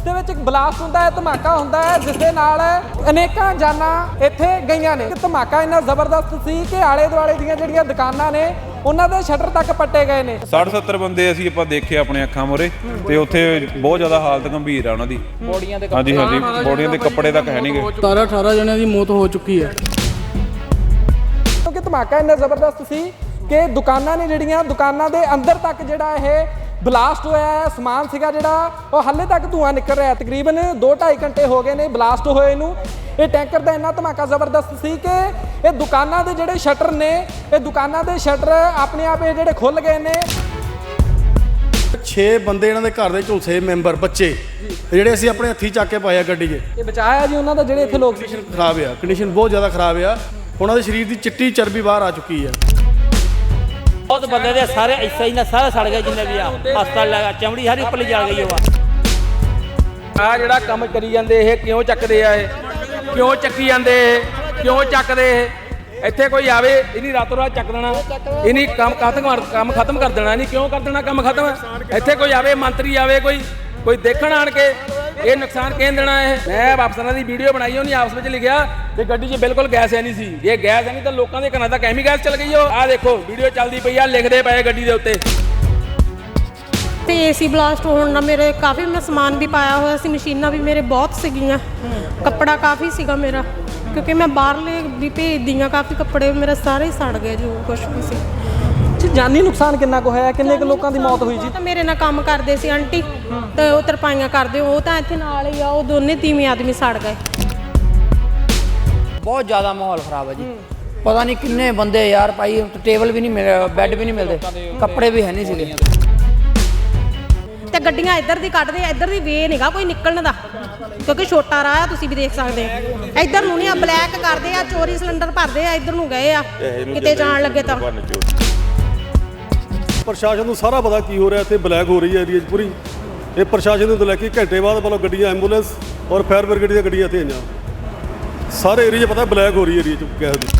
ਦੇ ਵਿੱਚ ਇੱਕ ਬਲਾਸਟ ਹੁੰਦਾ ਹੈ, ਧਮਾਕਾ ਹੁੰਦਾ ਹੈ, ਜਿਸ ਦੇ ਨਾਲ ਅਨੇਕਾਂ ਜਾਨਾਂ ਇੱਥੇ ਗਈਆਂ ਨੇ। ਧਮਾਕਾ ਇੰਨਾ ਜ਼ਬਰਦਸਤ ਸੀ ਕਿ ਆਲੇ ਦੁਆਲੇ ਦੀਆਂ ਜਿਹੜੀਆਂ ਦੁਕਾਨਾਂ ਨੇ ਉਹਨਾਂ ਦੇ ਸ਼ਟਰ ਤੱਕ ਪੱਟੇ ਗਏ ਨੇ। 60-70 ਬੰਦੇ ਅਸੀਂ ਆਪਾਂ ਦੇਖੇ ਆਪਣੇ ਅੱਖਾਂ ਮੂਹਰੇ ਤੇ ਉੱਥੇ ਬਹੁਤ ਜ਼ਿਆਦਾ ਹਾਲਤ ਗੰਭੀਰ ਆ ਉਹਨਾਂ ਦੀ। ਬੋਡੀਆਂ ਦੇ ਹਾਂਜੀ ਬੋਡੀਆਂ ਦੇ ਕੱਪੜੇ ਤੱਕ ਹੈ ਨਹੀਂਗੇ। 17-18 ਜਣਿਆਂ ਦੀ ਮੌਤ ਹੋ ਚੁੱਕੀ ਹੈ। ਕਿਉਂਕਿ ਧਮਾਕਾ ਇੰਨਾ ਜ਼ਬਰਦਸਤ ਸੀ ਕਿ ਦੁਕਾਨਾਂ ਨੇ ਜਿਹੜੀਆਂ ਦੁਕਾਨਾਂ ਦੇ ਅੰਦਰ ਤੱਕ ਜਿਹੜਾ ਇਹ ਬਲਾਸਟ ਹੋਇਆ ਹੈ। ਸਮਾਨ ਸੀਗਾ ਜਿਹੜਾ ਉਹ ਹਾਲੇ ਤੱਕ ਧੂੰਆਂ ਨਿਕਲ ਰਿਹਾ। ਤਕਰੀਬਨ 2-2.5 ਘੰਟੇ ਹੋ ਗਏ ਨੇ ਬਲਾਸਟ ਹੋਏ ਨੂੰ। ਇਹ ਟੈਂਕਰ ਦਾ ਇੰਨਾ ਧਮਾਕਾ ਜ਼ਬਰਦਸਤ ਸੀ ਕਿ ਇਹ ਦੁਕਾਨਾਂ ਦੇ ਜਿਹੜੇ ਸ਼ਟਰ ਨੇ, ਇਹ ਦੁਕਾਨਾਂ ਦੇ ਸ਼ਟਰ ਆਪਣੇ ਆਪ ਇਹ ਜਿਹੜੇ ਖੁੱਲ ਗਏ ਨੇ। 6 ਬੰਦੇ ਇਹਨਾਂ ਦੇ ਘਰ ਦੇ ਝੁਲਸੇ ਮੈਂਬਰ ਬੱਚੇ ਜਿਹੜੇ ਅਸੀਂ ਆਪਣੇ ਹੱਥੀਂ ਚੱਕ ਕੇ ਪਾਏ ਆ ਗੱਡੀ 'ਚ। ਇਹ ਬਚਾਇਆ ਜੀ ਉਹਨਾਂ ਦਾ ਜਿਹੜੇ ਇੱਥੇ ਲੋਕ ਸੀ। ਖਰਾਬ ਆ, ਕੰਡੀਸ਼ਨ ਬਹੁਤ ਜ਼ਿਆਦਾ ਖਰਾਬ ਆ। ਉਹਨਾਂ ਦੇ ਸਰੀਰ ਦੀ ਚਿੱਟੀ ਚਰਬੀ ਬਾਹਰ ਆ ਚੁੱਕੀ ਆ। बहुत बंदे दे सारे ऐसा ही ना सारा सड़ गए जिन्ने भी आ हस्पताल लगा चमड़ी सारी ऊपर जा गई ਆ ਜਿਹੜਾ ਕੰਮ ਕਰੀ ਜਾਂਦੇ ਇਹ ਕਿਉਂ ਚੱਕਦੇ ਆ? ਇਹ ਕਿਉਂ ਚੱਕੀ ਜਾਂਦੇ? ਇਹ ਕਿਉਂ ਚੱਕਦੇ? ਇਹ ਇੱਥੇ ਕੋਈ ਆਵੇ ਇਹਨੀ ਰਾਤੋਂ ਰਾਤ ਚੱਕ ਦੇਣਾ, ਇਹਨੀ ਕੰਮ ਖਤਮ ਕਰ ਦੇਣਾ। ਨਹੀਂ ਕਿਉਂ ਕਰ ਦੇਣਾ ਕੰਮ ਖਤਮ? ਇੱਥੇ ਕੋਈ ਆਵੇ ਮੰਤਰੀ ਆਵੇ ਕੋਈ ਦੇਖਣ ਆਣ ਕੇ ਇਹ ਨੁਕਸਾਨ ਕਿਹਨ ਦੇਣਾ? ਇਹ ਮੈਂ ਅਫਸਰਾਂ ਦੀ ਵੀਡੀਓ ਬਣਾਈ, ਉਹਨੇ ਆਪਸ ਵਿੱਚ ਲਿਖਿਆ ਕਿ ਗੱਡੀ 'ਚ ਬਿਲਕੁਲ ਗੈਸ ਹੈ ਨਹੀਂ ਸੀ। ਜੇ ਗੈਸ ਹੈ ਨਹੀਂ ਤਾਂ ਲੋਕਾਂ ਦੇ ਘਰਾਂ ਤੱਕ ਐਵੇਂ ਗੈਸ ਚੱਲ ਗਈ। ਉਹ ਆਹ ਦੇਖੋ ਵੀਡੀਓ ਚੱਲਦੀ ਪਈ ਆ, ਲਿਖਦੇ ਪਏ ਗੱਡੀ ਦੇ ਉੱਤੇ। ਤੇ ਏਸੀ ਬਲਾਸਟ ਹੋਣ ਨਾਲ ਮੇਰੇ ਕਾਫੀ ਮੈਂ ਸਮਾਨ ਵੀ ਪਾਇਆ ਹੋਇਆ ਸੀ, ਮਸ਼ੀਨਾਂ ਵੀ ਮੇਰੇ ਬਹੁਤ ਸੀਗੀਆਂ, ਕੱਪੜਾ ਕਾਫੀ ਸੀਗਾ ਮੇਰਾ, ਕਿਉਂਕਿ ਮੈਂ ਬਾਹਰਲੇ ਵੀ ਭੇਜਦੀ ਹਾਂ। ਕਾਫੀ ਕੱਪੜੇ ਮੇਰੇ ਸਾਰੇ ਹੀ ਸੜ ਗਏ ਜੋ ਕੁਛ ਵੀ ਸੀ। ਜਾਨੀ ਨੁਕਸਾਨ ਕਿੰਨਾ ਕੁ ਹੋਇਆ? ਕਿੰਨੇ ਕੁ ਲੋਕਾਂ ਦੀ ਮੌਤ ਹੋਈ ਜੀ? ਤਾਂ ਮੇਰੇ ਨਾਲ ਕੰਮ ਕਰਦੇ ਸੀ ਆਂਟੀ, ਤੇ ਉਹ ਤਰਪਾਈਆਂ ਕਰਦੇ, ਉਹ ਤਾਂ ਇੱਥੇ ਨਾਲ ਹੀ ਆ। ਉਹ ਦੋਨੇ ਤੀਵੀਂ ਆਦਮੀ ਸੜ ਗਏ। बहुत ज़्यादा माहौल ख़राब है जी। पता नहीं किन्ने बंदे यार भाई, टेबल भी नहीं मिल रहे, बेड भी नहीं मिलते, कपड़े भी है नहीं सीगे। ਤੇ ਗੱਡੀਆਂ ਇੱਧਰ ਦੀ ਕੱਢਦੇ ਆ, ਇੱਧਰ ਦੀ ਵੇ ਨਹੀਂਗਾ ਕੋਈ ਨਿਕਲਣ ਦਾ, ਕਿਉਂਕਿ ਛੋਟਾ ਰਾਹ ਆ, ਤੁਸੀਂ ਵੀ ਦੇਖ ਸਕਦੇ ਆ। ਇੱਧਰ ਨੂੰ ਨਹੀਂ ਆ, ਬਲੈਕ ਕਰਦੇ ਆ, ਚੋਰੀ ਸਿਲੰਡਰ ਭਰਦੇ ਆ, ਇੱਧਰ ਨੂੰ ਗਏ ਆ ਕਿਤੇ ਜਾਣ ਲੱਗੇ ਤਾਂ। ਪ੍ਰਸ਼ਾਸਨ ਨੂੰ ਸਾਰਾ ਪਤਾ ਕੀ ਹੋ ਰਿਹਾ। ਇੱਥੇ ਬਲੈਕ ਹੋ ਰਹੀ ਹੈ ਏਰੀਆ 'ਚ ਪੂਰੀ। ਇਹ ਪ੍ਰਸ਼ਾਸਨ ਨੂੰ ਲੈ ਕੇ ਘੰਟੇ ਬਾਅਦ ਮਤਲਬ ਗੱਡੀਆਂ ਐਂਬੂਲੈਂਸ ਔਰ ਫਾਇਰ ਬ੍ਰਿਗੇਡ ਦੀਆਂ ਗੱਡੀਆਂ ਇੱਥੇ ਆਈਆਂ। ਸਾਰੇ ਏਰੀਆ 'ਚ ਪਤਾ ਬਲੈਕ ਹੋ ਰਹੀ ਹੈ ਏਰੀਆ 'ਚ ਗੈਸ ਦੀ।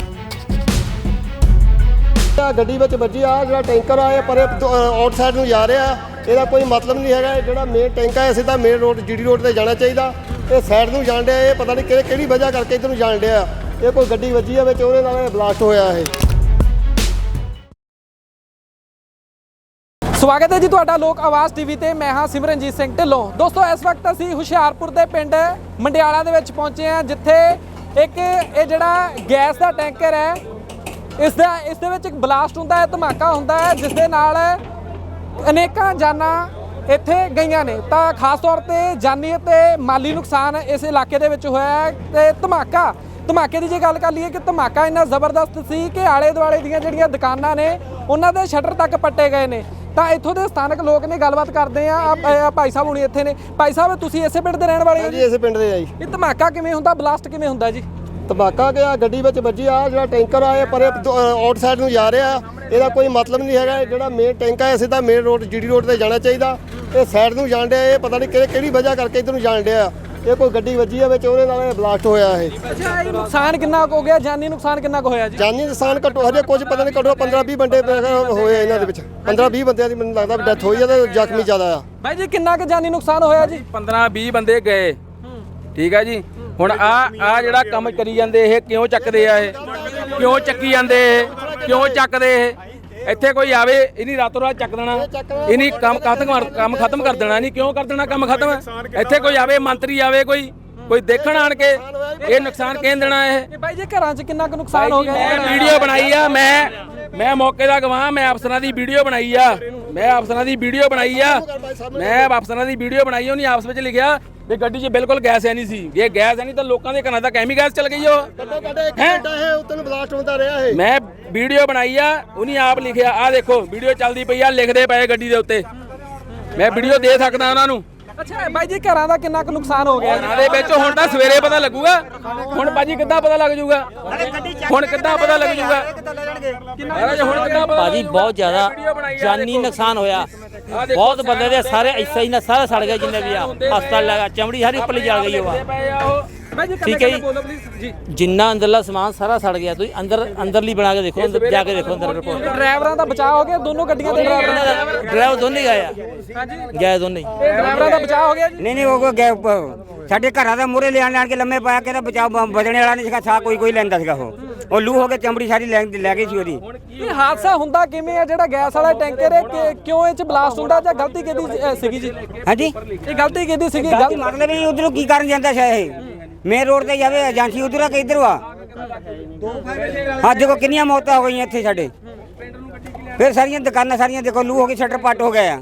ਗੱਡੀ ਵਿੱਚ ਵੱਜੀ ਆ, ਜਿਹੜਾ ਟੈਂਕਰ ਆ ਇਹ ਪਰੇ ਆਊਟਸਾਈਡ ਨੂੰ ਜਾ ਰਿਹਾ। ਇਹਦਾ ਕੋਈ ਮਤਲਬ ਨਹੀਂ ਹੈਗਾ। ਜਿਹੜਾ ਮੇਨ ਟੈਂਕ ਹੈ ਸਿੱਧਾ ਮੇਨ ਰੋਡ ਜੀਡੀ ਰੋਡ ਤੇ ਜਾਣਾ ਚਾਹੀਦਾ। ਇਹ ਸਾਈਡ ਨੂੰ ਜਾਣ ਡਿਆ। ਇਹ ਪਤਾ ਨਹੀਂ ਕਿਹੜੀ ਵਜ੍ਹਾ ਕਰਕੇ ਇੱਧਰ ਨੂੰ ਜਾਣ ਡਿਆ। ਇਹ ਕੋਈ ਗੱਡੀ ਵੱਜੀ ਆ ਵਿੱਚ, ਉਹਦੇ ਨਾਲ ਬਲਾਸਟ ਹੋਇਆ ਇਹ। ਸਵਾਗਤ ਹੈ ਜੀ ਤੁਹਾਡਾ ਲੋਕ ਆਵਾਜ਼ ਟੀਵੀ ਤੇ। ਮੈਂ ਹਾਂ ਸਿਮਰਨਜੀਤ ਸਿੰਘ ਢਿੱਲੋਂ। ਦੋਸਤੋ ਇਸ ਵਕਤ ਅਸੀਂ ਹੁਸ਼ਿਆਰਪੁਰ ਦੇ ਪਿੰਡ ਮੰਡਿਆਲਾ ਦੇ ਵਿੱਚ ਪਹੁੰਚੇ ਹਾਂ, ਜਿੱਥੇ ਇੱਕ ਇਹ ਜਿਹੜਾ ਗੈਸ ਦਾ ਟੈਂਕਰ ਹੈ ਇਸ ਦੇ ਵਿੱਚ ਇੱਕ ਬਲਾਸਟ ਹੁੰਦਾ ਹੈ, ਧਮਾਕਾ ਹੁੰਦਾ ਹੈ, ਜਿਸ ਦੇ ਨਾਲ ਅਨੇਕਾਂ ਜਾਨਾਂ ਇੱਥੇ ਗਈਆਂ ਨੇ। ਤਾਂ ਖਾਸ ਤੌਰ ਤੇ ਜਾਨੀ ਅਤੇ ਮਾਲੀ ਨੁਕਸਾਨ ਇਸ ਇਲਾਕੇ ਦੇ ਵਿੱਚ ਹੋਇਆ ਹੈ। ਤੇ ਧਮਾਕੇ ਦੀ ਜੇ ਗੱਲ ਕਰ ਲਈਏ ਕਿ ਧਮਾਕਾ ਇੰਨਾ ਜ਼ਬਰਦਸਤ ਸੀ ਕਿ ਆਲੇ ਦੁਆਲੇ ਦੀਆਂ ਜਿਹੜੀਆਂ ਦੁਕਾਨਾਂ ਨੇ ਉਹਨਾਂ ਦੇ ਸ਼ਟਰ ਤੱਕ ਪੱਟੇ ਗਏ ਨੇ। ਤਾਂ ਇੱਥੋਂ ਦੇ ਸਥਾਨਕ ਲੋਕ ਨੇ, ਗੱਲਬਾਤ ਕਰਦੇ ਆ। ਭਾਈ ਸਾਹਿਬ ਹੁਣੀ ਇੱਥੇ ਨੇ। ਭਾਈ ਸਾਹਿਬ, ਤੁਸੀਂ ਇਸੇ ਪਿੰਡ ਦੇ ਰਹਿਣ ਵਾਲੇ ਹੋ ਜੀ? ਇਸੇ ਪਿੰਡ ਦੇ ਆ ਜੀ। ਇਹ ਧਮਾਕਾ ਕਿਵੇਂ ਹੁੰਦਾ, ਬਲਾਸਟ ਕਿਵੇਂ ਹੁੰਦਾ ਜੀ? ਧਮਾਕਾ ਗਿਆ ਗੱਡੀ ਵਿੱਚ ਵੱਜੀ ਆ, ਜਿਹੜਾ ਟੈਂਕਰ ਆ ਇਹ ਪਰੇ ਆਊਟਸਾਈਡ ਨੂੰ ਜਾ ਰਿਹਾ। ਇਹਦਾ ਕੋਈ ਮਤਲਬ ਨਹੀਂ ਹੈਗਾ। ਜਿਹੜਾ ਮੇਨ ਟੈਂਕ ਹੈ ਸਿੱਧਾ ਮੇਨ ਰੋਡ ਜੀਡੀ ਰੋਡ ਤੇ ਜਾਣਾ ਚਾਹੀਦਾ। ਇਹ ਸਾਈਡ ਨੂੰ ਜਾਣ ਡਿਆ। ਇਹ ਪਤਾ ਨਹੀਂ ਕਿਹੜੀ ਵਜ੍ਹਾ ਕਰਕੇ ਇੱਧਰ ਨੂੰ ਜਾਣ ਡਿਆ। ਇਹ ਕੋਈ ਗੱਡੀ ਵੱਜੀ ਆ ਵਿੱਚ, ਉਹਦੇ ਨਾਲ ਬਲਾਸਟ ਹੋਇਆ ਇਹ। ਅੱਛਾ, ਇਹ ਨੁਕਸਾਨ ਕਿੰਨਾ ਕੁ ਹੋ ਗਿਆ? ਜਾਨੀ ਨੁਕਸਾਨ ਕਿੰਨਾ ਕੁ ਹੋਇਆ ਜੀ? ਜਾਨੀ ਨੁਕਸਾਨ ਘੱਟੋ ਹਜੇ ਕੁਝ ਪਤਾ ਨਹੀਂ, ਘੱਟੋ 15-20 ਬੰਦੇ ਹੋਏ ਇਹਨਾਂ ਦੇ ਵਿੱਚ। 15-20 ਬੰਦਿਆਂ ਦੀ ਮੈਨੂੰ ਲੱਗਦਾ ਡੈਥ ਹੋਈ ਆ ਤੇ ਜ਼ਖਮੀ ਜ਼ਿਆਦਾ ਆ। ਬਾਈ ਜੀ, ਕਿੰਨਾ ਕੁ ਜਾਨੀ ਨੁਕਸਾਨ ਹੋਇਆ ਜੀ? 15-20 ਬੰਦੇ ਗਏ। ਠੀਕ ਆ ਜੀ। ਹੁਣ ਆ ਜਿਹੜਾ ਕੰਮ ਕਰੀ ਜਾਂਦੇ ਇਹ ਕਿਉਂ ਚੱਕਦੇ ਆ? ਇਹ ਕਿਉਂ ਚੱਕੀ ਜਾਂਦੇ? ਇਹ ਕਿਉਂ ਚੱਕਦੇ? ਇਹ ਇੱਥੇ ਕੋਈ ਆਵੇ ਇਹਨੀ ਰਾਤੋਂ ਰਾਤ ਚੱਕ ਦੇਣਾ, ਇਹਨੀ ਕੰਮ ਖਤਮ ਕਰ ਦੇਣਾ। ਨਹੀਂ ਕਿਉਂ ਕਰ ਦੇਣਾ ਕੰਮ ਖਤਮ? ਇੱਥੇ ਕੋਈ ਆਵੇ ਮੰਤਰੀ ਆਵੇ ਕੋਈ ਦੇਖਣ ਆਣ ਕੇ ਇਹ ਨੁਕਸਾਨ ਕਿਹਨ ਦੇਣਾ? ਇਹ ਬਾਈ ਜੀ, ਘਰਾਂ 'ਚ ਕਿੰਨਾ ਕੁ ਨੁਕਸਾਨ ਹੋ ਗਿਆ? ਮੈਂ ਵੀਡੀਓ ਬਣਾਈ ਆ, ਮੈਂ ਮੌਕੇ ਦਾ ਗਵਾਹ। ਮੈਂ ਅਫਸਰਾਂ ਦੀ ਵੀਡੀਓ ਬਣਾਈ ਆ, ਮੈਂ ਅਫਸਰਾਂ ਦੀ ਵੀਡੀਓ ਬਣਾਈ। ਉਹਨੇ ਆਪਸ ਵਿੱਚ ਲਿਖਿਆ ਕਿ ਗੱਡੀ 'ਚ ਬਿਲਕੁਲ ਗੈਸ ਹੈ ਨਹੀਂ ਸੀ। ਜੇ ਗੈਸ ਹੈ ਨਹੀਂ ਤਾਂ ਲੋਕਾਂ ਦੇ ਘਰਾਂ ਤੱਕ ਐਵੇਂ ਗੈਸ ਚੱਲ ਗਈ। ਉਹ ਬਲਾਸਟ ਹੁੰਦਾ ਰਿਹਾ ਇਹ। ਮੈਂ ਵੀਡੀਓ ਬਣਾਈ ਆ, ਉਹਨੇ ਆਪ ਲਿਖਿਆ। ਆਹ ਦੇਖੋ ਵੀਡੀਓ ਚੱਲਦੀ ਪਈ ਆ, ਲਿਖਦੇ ਪਏ ਗੱਡੀ ਦੇ ਉੱਤੇ। ਮੈਂ ਵੀਡੀਓ ਦੇ ਸਕਦਾ ਉਹਨਾਂ ਨੂੰ। ਅੱਛਾ ਬਾਈ ਜੀ, ਘਰਾਂ ਦਾ ਕਿੰਨਾ ਕੁ ਨੁਕਸਾਨ ਹੋ ਗਿਆ? ਘਰਾਂ ਦੇ ਵਿੱਚ ਹੁਣ ਤਾਂ ਸਵੇਰੇ ਪਤਾ ਲੱਗੂਗਾ। ਹੁਣ ਭਾਜੀ ਕਿੱਦਾਂ ਪਤਾ ਲੱਗ ਜੂਗਾ? ਹੁਣ ਕਿੱਦਾਂ ਪਤਾ ਲੱਗ ਜੂਗਾ? भाजी बहुत ज़्यादा जानी नुकसान होया। ਬਹੁਤ ਬੰਦੇ ਦੇ ਸਾਰੇ ਐਸਾ ਹੀ ਨਾ ਸਾਰਾ ਸੜ ਗਿਆ ਜਿੰਨੇ ਵੀ ਆ ਹਸਪਤਾਲ ਲਗਾ ਚਮੜੀ ਸਾਰੀ ਉੱਪਰਲੀ ਜਲ ਗਈ ਉਹ ਭਾਈ ਜੀ ਠੀਕ ਹੈ ਜੀ। ਬੋਲੋ ਪਲੀਜ਼ ਜੀ। ਜਿੰਨਾ ਅੰਦਰਲਾ ਸਮਾਨ ਸਾਰਾ ਸੜ ਗਿਆ ਤੁਸੀਂ ਅੰਦਰਲੀ ਬਣਾ ਕੇ ਦੇਖੋ ਅੰਦਰ ਜਾ ਕੇ ਦੇਖੋ ਅੰਦਰ ਰਿਪੋਰਟ ਡਰਾਈਵਰਾਂ ਦਾ ਬਚਾਅ ਹੋ ਗਿਆ ਦੋਨੋਂ ਗੱਡੀਆਂ ਦੇ ਡਰਾਈਵਰਾਂ ਡਰਾਈਵਰ ਦੋਨੇ ਗਏ ਆ ਹਾਂਜੀ ਗਏ ਦੋਨੇ ਡਰਾਈਵਰਾਂ ਦਾ ਬਚਾਅ ਹੋ ਗਿਆ ਜੀ। ਨਹੀਂ ਉਹ ਸਾਡੇ ਘਰਾਂ ਦਾ ਮੂਹਰੇ ਲਿਆਣ ਕੇ ਲੰਮੇ ਪਾਇਆ ਕੇ ਤਾਂ ਬਚਾਅ ਬਚਣੇ ਵਾਲਾ ਨਹੀਂ ਸੀਗਾ ਸਾ ਕੋਈ ਲੈਂਦਾ ਸੀਗਾ ਉਹ ਲੂ ਹੋ ਕੇ ਚਮੜੀ ਸਾਰੀ ਲੈ ਗਈ ਸੀ ਉਹਦੀ। ਇਹ ਹਾਦਸਾ ਹੁੰਦਾ ਕਿਵੇਂ ਆ ਜਿਹੜਾ ਗੈਸ ਵਾਲਾ ਟੈਂਕਰ ਹੈ ਕਿਉਂ ਇਹ ਚ ਬਲਾਸਟ ਹੁੰਦਾ ਜਾਂ ਗਲਤੀ ਕਿਹਦੀ ਸੀਗੀ ਜੀ? ਹਾਂਜੀ ਇਹ ਗਲਤੀ ਕਿਹਦੀ ਸੀਗੀ? ਮਤਲਬ ਇਹ ਉਧਰੋਂ ਕੀ ਕਰਨ ਜਾਂਦਾ ਸ਼ਾਇਦ ਇਹ ਮੇਨ ਰੋਡ ਤੇ ਜਾਵੇ ਏਜੰਸੀ ਉਧਰ ਆ ਕਿ ਇੱਧਰ ਆ ਅੱਜ ਦੇਖੋ ਕਿੰਨੀਆਂ ਮੌਤਾਂ ਹੋ ਗਈਆਂ ਇੱਥੇ ਸਾਡੇ ਫਿਰ ਸਾਰੀਆਂ ਦੁਕਾਨਾਂ ਸਾਰੀਆਂ ਦੇਖੋ ਲੂ ਹੋ ਕੇ ਸ਼ਟਰ ਪੱਟ ਹੋ ਗਏ ਆ।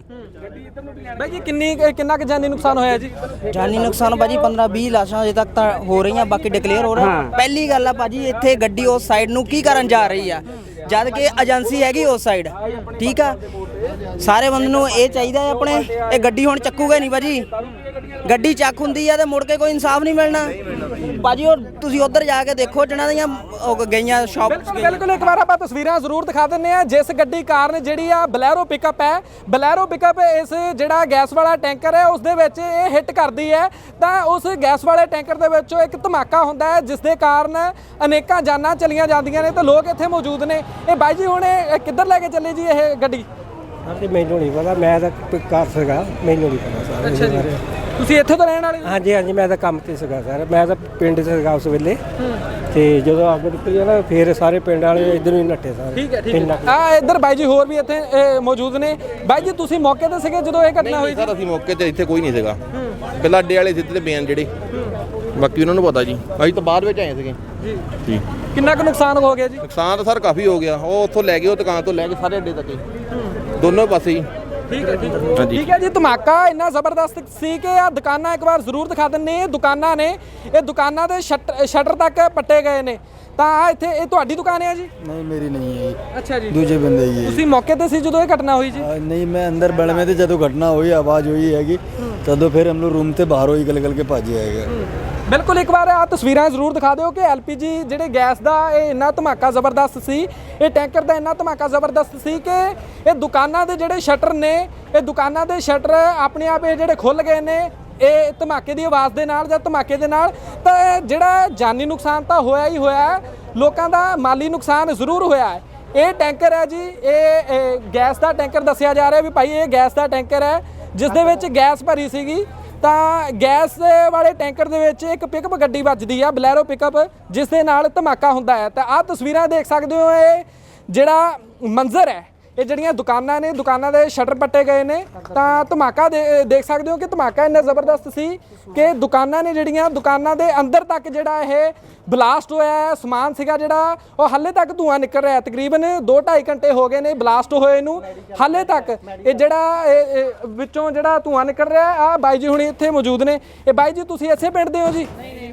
ਬਾਈ ਜੀ ਕਿੰਨਾ ਕੁ ਜਾਨੀ ਨੁਕਸਾਨ ਹੋਇਆ ਜੀ? ਜਾਨੀ ਨੁਕਸਾਨ ਭਾਜੀ 15-20 ਲਾਸ਼ਾਂ ਅਜੇ ਤੱਕ ਤਾਂ ਹੋ ਰਹੀਆਂ ਬਾਕੀ ਡਿਕਲੇਅਰ ਹੋ ਰਿਹਾ। ਪਹਿਲੀ ਗੱਲ ਆ ਭਾਜੀ ਇੱਥੇ ਗੱਡੀ ਉਸ ਸਾਈਡ ਨੂੰ ਕੀ ਕਰਨ ਜਾ ਰਹੀ ਆ ਜਦ ਕਿ ਏਜੰਸੀ ਹੈਗੀ ਉਸ ਸਾਈਡ ਠੀਕ ਆ। ਸਾਰੇ ਬੰਦੇ ਨੂੰ ਇਹ ਚਾਹੀਦਾ ਹੈ ਆਪਣੇ ਇਹ ਗੱਡੀ ਹੁਣ ਚੱਕੂਗਾ ਨਹੀਂ ਭਾਜੀ ਗੱਡੀ ਚੱਕ ਹੁੰਦੀ ਆ ਤੇ ਮੁੜ ਕੇ ਕੋਈ ਇਨਸਾਫ ਨਹੀਂ ਮਿਲਣਾ ਭਾਜੀ। ਉਹ ਤੁਸੀਂ ਉੱਧਰ ਜਾ ਕੇ ਦੇਖੋ ਜਿਹਨਾਂ ਦੀਆਂ ਗਈਆਂ ਸ਼ਾਪ ਬਿਲਕੁਲ ਇੱਕ ਵਾਰ ਆਪਾਂ ਤਸਵੀਰਾਂ ਜ਼ਰੂਰ ਦਿਖਾ ਦਿੰਨੇ ਆ ਜਿਸ ਗੱਡੀ ਕਾਰਨ ਜਿਹੜੀ ਆ ਬਲੈਰੋ ਪਿਕਅਪ ਹੈ ਬਲੈਰੋ ਪਿਕਅਪ ਇਸ ਜਿਹੜਾ ਗੈਸ ਵਾਲਾ ਟੈਂਕਰ ਹੈ ਉਸ ਦੇ ਵਿੱਚ ਇਹ ਹਿੱਟ ਕਰਦੀ ਹੈ ਤਾਂ ਉਸ ਗੈਸ ਵਾਲੇ ਟੈਂਕਰ ਦੇ ਵਿੱਚੋਂ ਇੱਕ ਧਮਾਕਾ ਹੁੰਦਾ ਹੈ ਜਿਸ ਦੇ ਕਾਰਨ ਅਨੇਕਾਂ ਜਾਨਾਂ ਚਲੀਆਂ ਜਾਂਦੀਆਂ ਨੇ ਤੇ ਲੋਕ ਇੱਥੇ ਮੌਜੂਦ ਨੇ। ਇਹ ਬਾਈ ਜੀ ਹੁਣ ਇਹ ਕਿੱਧਰ ਲੈ ਕੇ ਚੱਲੇ ਜੀ ਇਹ ਗੱਡੀ? ਹਾਂਜੀ ਮੈਨੂੰ ਨਹੀਂ ਪਤਾ ਮੈਂ ਤਾਂ ਘਰ ਸੀਗਾ ਮੈਨੂੰ ਨਹੀਂ ਪਤਾ ਸਰ। ਅੱਛਾ ਜੀ ਤੁਸੀਂ ਇੱਥੇ ਤੋਂ ਰਹਿਣ ਵਾਲੇ ਹੋ? ਹਾਂਜੀ ਹਾਂਜੀ ਮੈਂ ਤਾਂ ਕੰਮ ਤੇ ਸੀਗਾ ਸਰ ਮੈਂ ਤਾਂ ਪਿੰਡ 'ਚ ਸੀਗਾ ਉਸ ਵੇਲੇ ਤੇ ਜਦੋਂ ਅੱਗ ਨਿਕਲੀ ਨਾ ਫਿਰ ਸਾਰੇ ਪਿੰਡ ਵਾਲੇ ਇੱਧਰ ਨੂੰ ਹੀ ਨੱਠੇ ਸਾਰੇ। ਠੀਕ ਹੈ ਠੀਕ ਹੈ ਆ ਇੱਧਰ ਬਾਈ ਜੀ ਹੋਰ ਵੀ ਇੱਥੇ ਮੌਜੂਦ ਨੇ। ਬਾਈ ਜੀ ਤੁਸੀਂ ਮੌਕੇ ਤੇ ਸੀਗੇ ਜਦੋਂ ਇਹ ਘਟਨਾ ਹੋਈ? ਸਰ ਅਸੀਂ ਮੌਕੇ ਤੇ ਇੱਥੇ ਕੋਈ ਨਹੀਂ ਸੀਗਾ ਪਹਿਲਾਂ ਅੱਡੇ ਵਾਲੇ ਸਿੱਧੇ ਬਿਆਨ ਜਿਹੜੇ ਬਾਕੀ ਉਹਨਾਂ ਨੂੰ ਪਤਾ ਜੀ ਅਸੀਂ ਤਾਂ ਬਾਅਦ ਵਿੱਚ ਆਏ ਸੀਗੇ ਜੀ। ਕਿੰਨਾ ਕੁ ਨੁਕਸਾਨ ਹੋ ਗਿਆ ਜੀ? ਨੁਕਸਾਨ ਤਾਂ ਸਰ ਕਾਫੀ ਹੋ ਗਿਆ ਉਹ ਉੱਥੋਂ ਲੈ ਗਏ ਉਹ ਦੁਕਾਨ ਤੋਂ ਲੈ ਕੇ ਸਾਰੇ ਅੱਡੇ ਤੱਕ ਹੀ ਦੋਨੋਂ ਪਾਸੇ ਹੀ। ਠੀਕ ਹੈ ਠੀਕ ਹੈ ਜੀ ਧਮਾਕਾ ਇੰਨਾ ਜ਼ਬਰਦਸਤ ਸੀ ਕਿ ਆ ਦੁਕਾਨਾਂ ਇੱਕ ਵਾਰ ਜ਼ਰੂਰ ਦਿਖਾ ਦਿੰਨੇ। ਇਹ ਦੁਕਾਨਾਂ ਨੇ ਇਹ ਦੁਕਾਨਾਂ ਦੇ ਸ਼ਟਰ ਤੱਕ ਪੱਟੇ ਗਏ ਨੇ ਤਾਂ ਆ ਇੱਥੇ ਇਹ ਤੁਹਾਡੀ ਦੁਕਾਨ ਹੈ ਜੀ? ਨਹੀਂ ਮੇਰੀ ਨਹੀਂ ਹੈ ਜੀ। ਅੱਛਾ ਜੀ ਦੂਜੇ ਬੰਦੇ ਹੀ ਹੈ। ਤੁਸੀਂ ਮੌਕੇ ਤੇ ਸੀ ਜਦੋਂ ਇਹ ਘਟਨਾ ਹੋਈ ਜੀ? ਨਹੀਂ ਮੈਂ ਅੰਦਰ ਬੜਵੇਂ ਤੇ ਜਦੋਂ ਘਟਨਾ ਹੋਈ ਆਵਾਜ਼ ਹੋਈ ਹੈਗੀ ਤਦੋਂ ਫਿਰ ਹਮ ਲੋਗ ਰੂਮ ਤੇ ਬਾਹਰੋਂ ਹੀ ਗਲ ਕੇ ਭੱਜੇ ਆਏਗਾ। ਬਿਲਕੁਲ ਇੱਕ ਵਾਰ ਆ ਤਸਵੀਰਾਂ ਜ਼ਰੂਰ ਦਿਖਾ ਦਿਓ ਕਿ ਐਲਪੀਜੀ ਜਿਹੜੇ ਗੈਸ ਦਾ ਇਹ ਇੰਨਾ ਧਮਾਕਾ ਜ਼ਬਰਦਸਤ ਸੀ ਇਹ ਟੈਂਕਰ ਦਾ ਇੰਨਾ ਧਮਾਕਾ ਜ਼ਬਰਦਸਤ ਸੀ ਕਿ ਇਹ ਦੁਕਾਨਾਂ ਦੇ ਜਿਹੜੇ ਸ਼ਟਰ ਨੇ ਇਹ ਦੁਕਾਨਾਂ ਦੇ ਸ਼ਟਰ ਆਪਣੇ ਆਪ ਇਹ ਜਿਹੜੇ ਖੁੱਲ ਗਏ ਨੇ ਇਹ ਧਮਾਕੇ ਦੀ ਆਵਾਜ਼ ਦੇ ਨਾਲ ਜਾਂ ਧਮਾਕੇ ਦੇ ਨਾਲ। ਤਾਂ ਜਿਹੜਾ ਜਾਨੀ ਨੁਕਸਾਨ ਤਾਂ ਹੋਇਆ ਹੀ ਹੋਇਆ ਲੋਕਾਂ ਦਾ ਮਾਲੀ ਨੁਕਸਾਨ ਜ਼ਰੂਰ ਹੋਇਆ ਹੈ। ਇਹ ਟੈਂਕਰ ਹੈ ਜੀ ਇਹ ਗੈਸ ਦਾ ਟੈਂਕਰ ਦੱਸਿਆ ਜਾ ਰਿਹਾ ਵੀ ਭਾਈ ਇਹ ਗੈਸ ਦਾ ਟੈਂਕਰ ਹੈ ਜਿਸ ਦੇ ਵਿੱਚ ਗੈਸ ਭਰੀ ਸੀਗੀ ਤਾਂ ਗੈਸ ਵਾਲੇ ਟੈਂਕਰ ਦੇ ਵਿੱਚ ਇੱਕ ਪਿਕਅਪ ਗੱਡੀ ਵੱਜਦੀ ਆ ਬਲੈਰੋ ਪਿਕਅਪ ਜਿਸ ਦੇ ਨਾਲ ਧਮਾਕਾ ਹੁੰਦਾ ਹੈ। ਤਾਂ ਆਹ ਤਸਵੀਰਾਂ ਦੇਖ ਸਕਦੇ ਹੋ ਇਹ ਜਿਹੜਾ ਮੰਜ਼ਰ ਹੈ ਇਹ ਜਿਹੜੀਆਂ ਦੁਕਾਨਾਂ ਨੇ ਦੁਕਾਨਾਂ ਦੇ ਸ਼ਟਰ ਪੱਟੇ ਗਏ ਨੇ ਤਾਂ ਧਮਾਕਾ ਦੇਖ ਸਕਦੇ ਹੋ ਕਿ ਧਮਾਕਾ ਇੰਨਾ ਜ਼ਬਰਦਸਤ ਸੀ ਕਿ ਦੁਕਾਨਾਂ ਨੇ ਜਿਹੜੀਆਂ ਦੁਕਾਨਾਂ ਦੇ ਅੰਦਰ ਤੱਕ ਜਿਹੜਾ ਇਹ ਬਲਾਸਟ ਹੋਇਆ ਹੈ ਸਮਾਨ ਸੀਗਾ ਜਿਹੜਾ ਉਹ ਹਾਲੇ ਤੱਕ ਧੂਆਂ ਨਿਕਲ ਰਿਹਾ ਤਕਰੀਬਨ 2-2.5 ਘੰਟੇ ਹੋ ਗਏ ਨੇ ਬਲਾਸਟ ਹੋਏ ਨੂੰ ਹਾਲੇ ਤੱਕ ਇਹ ਜਿਹੜਾ ਵਿੱਚੋਂ ਜਿਹੜਾ ਧੂਆਂ ਨਿਕਲ ਰਿਹਾ ਆ ਬਾਈ ਜੀ ਹੁਣੀ ਇੱਥੇ ਮੌਜੂਦ ਨੇ। ਇਹ ਬਾਈ ਜੀ ਤੁਸੀਂ ਇਸੇ ਪਿੰਡ ਦੇ ਹੋ ਜੀ?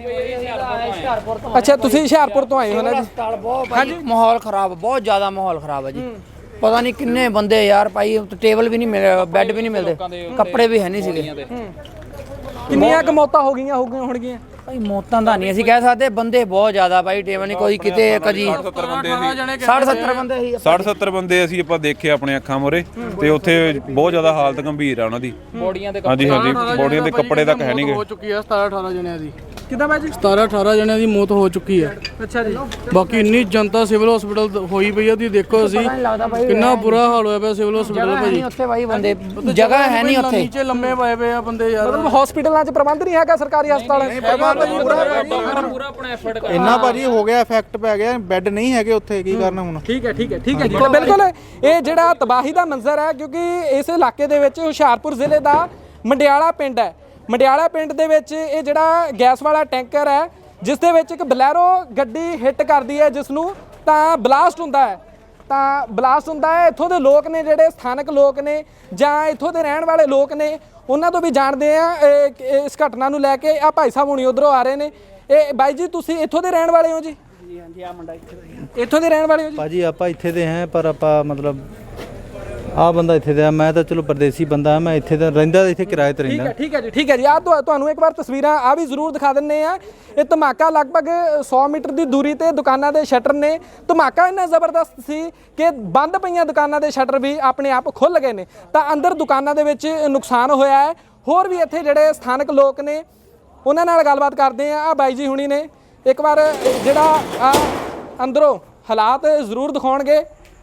ਅੱਛਾ ਤੁਸੀਂ ਹੁਸ਼ਿਆਰਪੁਰ ਤੋਂ ਆਏ ਹੋ ਨਾ ਜੀ? ਹਾਂਜੀ ਮਾਹੌਲ ਖਰਾਬ ਬਹੁਤ ਜ਼ਿਆਦਾ ਮਾਹੌਲ ਖਰਾਬ ਹੈ ਜੀ। ਪਤਾ ਨਹੀਂ ਕਿੰਨੇ ਬੰਦੇ ਯਾਰ ਭਾਈ ਟੇਬਲ ਵੀ ਨਹੀਂ ਮਿਲ ਬੈੱਡ ਵੀ ਨਹੀਂ ਮਿਲਦੇ ਕੱਪੜੇ ਵੀ ਹੈ ਨਹੀਂ ਸੀਗੇ। ਕਿੰਨੀਆਂ ਕੁ ਮੌਤਾਂ ਹੋਣਗੀਆਂ? ਭਾਈ ਮੌਤਾਂ ਦਾ ਨਹੀਂ ਅਸੀਂ ਕਹਿ ਸਕਦੇ ਬੰਦੇ ਬਹੁਤ ਜ਼ਿਆਦਾ ਭਾਈ ਟੇਬਲ ਨਹੀਂ ਕੋਈ ਕਿਤੇ ਕਦੀ 60-70 ਬੰਦੇ ਸੀ 60-70 ਬੰਦੇ ਅਸੀਂ ਆਪਾਂ ਦੇਖੇ ਆਪਣੇ ਅੱਖਾਂ ਮੋਰੇ ਤੇ ਉੱਥੇ ਬਹੁਤ ਜ਼ਿਆਦਾ ਹਾਲਤ ਗੰਭੀਰ ਆ ਉਹਨਾਂ ਦੀ ਬੋਡੀਆਂ ਦੇ ਹਾਂਜੀ ਹਾਂਜੀ ਬੋਡੀਆਂ ਦੇ ਕੱਪੜੇ ਤੱਕ ਹੈ ਨਹੀਂਗੇ। ਹੋ ਚੁੱਕੀ ਹੈ 17-18 ਜਣਿਆਂ ਦੀ ਕਿਦਾਂ ਬਾਈ ਜੀ? 17-18 ਜਣਿਆਂ ਦੀ ਮੌਤ ਹੋ ਚੁੱਕੀ ਹੈ। ਅੱਛਾ ਜੀ ਬਾਕੀ ਇੰਨੀ ਜਨਤਾ ਸਿਵਲ ਹਸਪੀਟਲ ਹੋਈ ਪਈ ਆ ਤੁਸੀਂ ਦੇਖੋ ਅਸੀਂ ਕਿੰਨਾ ਬੁਰਾ ਹਾਲ ਹੋਇਆ ਪਿਆ ਸਿਵਲ ਹਸਪੀਟਲ ਭਾਜੀ। ਉੱਥੇ ਭਾਈ ਬੰਦੇ ਜਗ੍ਹਾ ਹੈ ਨਹੀਂ ਉੱਥੇ ਨੀਚੇ ਲੰਮੇ ਪਏ ਪਏ ਆ ਬੰਦੇ ਯਾਰ। ਮਤਲਬ ਹਸਪੀਟਲਾਂ 'ਚ ਪ੍ਰਬੰਧ ਨਹੀਂ ਹੈਗਾ ਸਰਕਾਰੀ ਹਸਪਤਾਲਾਂ 'ਚ? ਪੂਰਾ ਆਪਣਾ ਐਫਰਟ ਇੰਨਾ ਭਾਜੀ ਹੋ ਗਿਆ ਇਫੈਕਟ ਪੈ ਗਿਆ ਬੈੱਡ ਨਹੀਂ ਹੈਗੇ ਉੱਥੇ ਕੀ ਕਰਨਾ ਹੁਣ। ਠੀਕ ਹੈ ਜੀ ਤਾਂ ਬਿਲਕੁਲ ਇਹ ਜਿਹੜਾ ਤਬਾਹੀ ਦਾ ਮੰਜ਼ਰ ਹੈ ਕਿਉਂਕਿ ਇਸ ਇਲਾਕੇ ਦੇ ਵਿੱਚ ਹੁਸ਼ਿਆਰਪੁਰ ਜ਼ਿਲ੍ਹੇ ਦਾ ਮੰਡਿਆਲਾ ਪਿੰਡ ਹੈ। ਮੰਡਿਆਲਾ ਪਿੰਡ ਦੇ ਵਿੱਚ ਇਹ ਜਿਹੜਾ ਗੈਸ ਵਾਲਾ ਟੈਂਕਰ ਹੈ ਜਿਸ ਦੇ ਵਿੱਚ ਇੱਕ ਬਲੈਰੋ ਗੱਡੀ ਹਿੱਟ ਕਰਦੀ ਹੈ ਜਿਸ ਨੂੰ ਤਾਂ ਬਲਾਸਟ ਹੁੰਦਾ ਹੈ। ਇੱਥੋਂ ਦੇ ਲੋਕ ਨੇ ਜਿਹੜੇ ਸਥਾਨਕ ਲੋਕ ਨੇ ਜਾਂ ਇੱਥੋਂ ਦੇ ਰਹਿਣ ਵਾਲੇ ਲੋਕ ਨੇ ਉਹਨਾਂ ਤੋਂ ਵੀ ਜਾਣਦੇ ਆ ਇਸ ਘਟਨਾ ਨੂੰ ਲੈ ਕੇ। ਆ ਭਾਈ ਸਾਹਿਬ ਹੁਣੀ ਉਧਰੋਂ ਆ ਰਹੇ ਨੇ। ਇਹ ਬਾਈ ਜੀ ਤੁਸੀਂ ਇੱਥੋਂ ਦੇ ਰਹਿਣ ਵਾਲੇ ਹੋ ਜੀ? ਹਾਂਜੀ ਆ ਮੁੰਡਾ ਇੱਥੋਂ ਦੇ ਰਹਿਣ ਵਾਲੇ ਹੋ ਜੀ? ਭਾਜੀ ਆਪਾਂ ਇੱਥੇ ਦੇ ਹਾਂ ਪਰ ਆਪਾਂ ਮਤਲਬ ਆ ਬੰਦਾ ਇੱਥੇ ਦਾ, ਮੈਂ ਤਾਂ ਚਲੋ ਪਰਦੇਸੀ ਬੰਦਾ, ਮੈਂ ਇੱਥੇ ਦਾ ਰਹਿੰਦਾ, ਇੱਥੇ ਕਿਰਾਏ ਤੇ ਰਹਿੰਦਾ। ਠੀਕ ਹੈ ਜੀ। ਆ ਤੁਹਾਨੂੰ ਇੱਕ ਵਾਰ ਤਸਵੀਰਾਂ ਆ ਵੀ ਜ਼ਰੂਰ ਦਿਖਾ ਦਿੰਨੇ ਆ। ਇਹ ਧਮਾਕਾ ਲਗਭਗ 100 ਮੀਟਰ ਦੀ ਦੂਰੀ ਤੇ ਦੁਕਾਨਾਂ ਦੇ ਸ਼ਟਰ ਨੇ। ਧਮਾਕਾ ਇੰਨਾ ਜ਼ਬਰਦਸਤ ਸੀ ਕਿ ਬੰਦ ਪਈਆਂ ਦੁਕਾਨਾਂ ਦੇ ਸ਼ਟਰ ਵੀ ਆਪਣੇ ਆਪ ਖੁੱਲ ਗਏ ਨੇ, ਤਾਂ ਅੰਦਰ ਦੁਕਾਨਾਂ ਦੇ ਵਿੱਚ ਨੁਕਸਾਨ ਹੋਇਆ ਹੈ। ਹੋਰ ਵੀ ਇੱਥੇ ਜਿਹੜੇ ਸਥਾਨਕ ਲੋਕ ਨੇ ਉਹਨਾਂ ਨਾਲ ਗੱਲਬਾਤ ਕਰਦੇ ਆ ਬਾਈ ਜੀ ਹੁਣੀ ਨੇ ਇੱਕ ਵਾਰ ਜਿਹੜਾ ਅੰਦਰੋਂ ਹਾਲਾਤ ਜ਼ਰੂਰ ਦਿਖਾਉਣਗੇ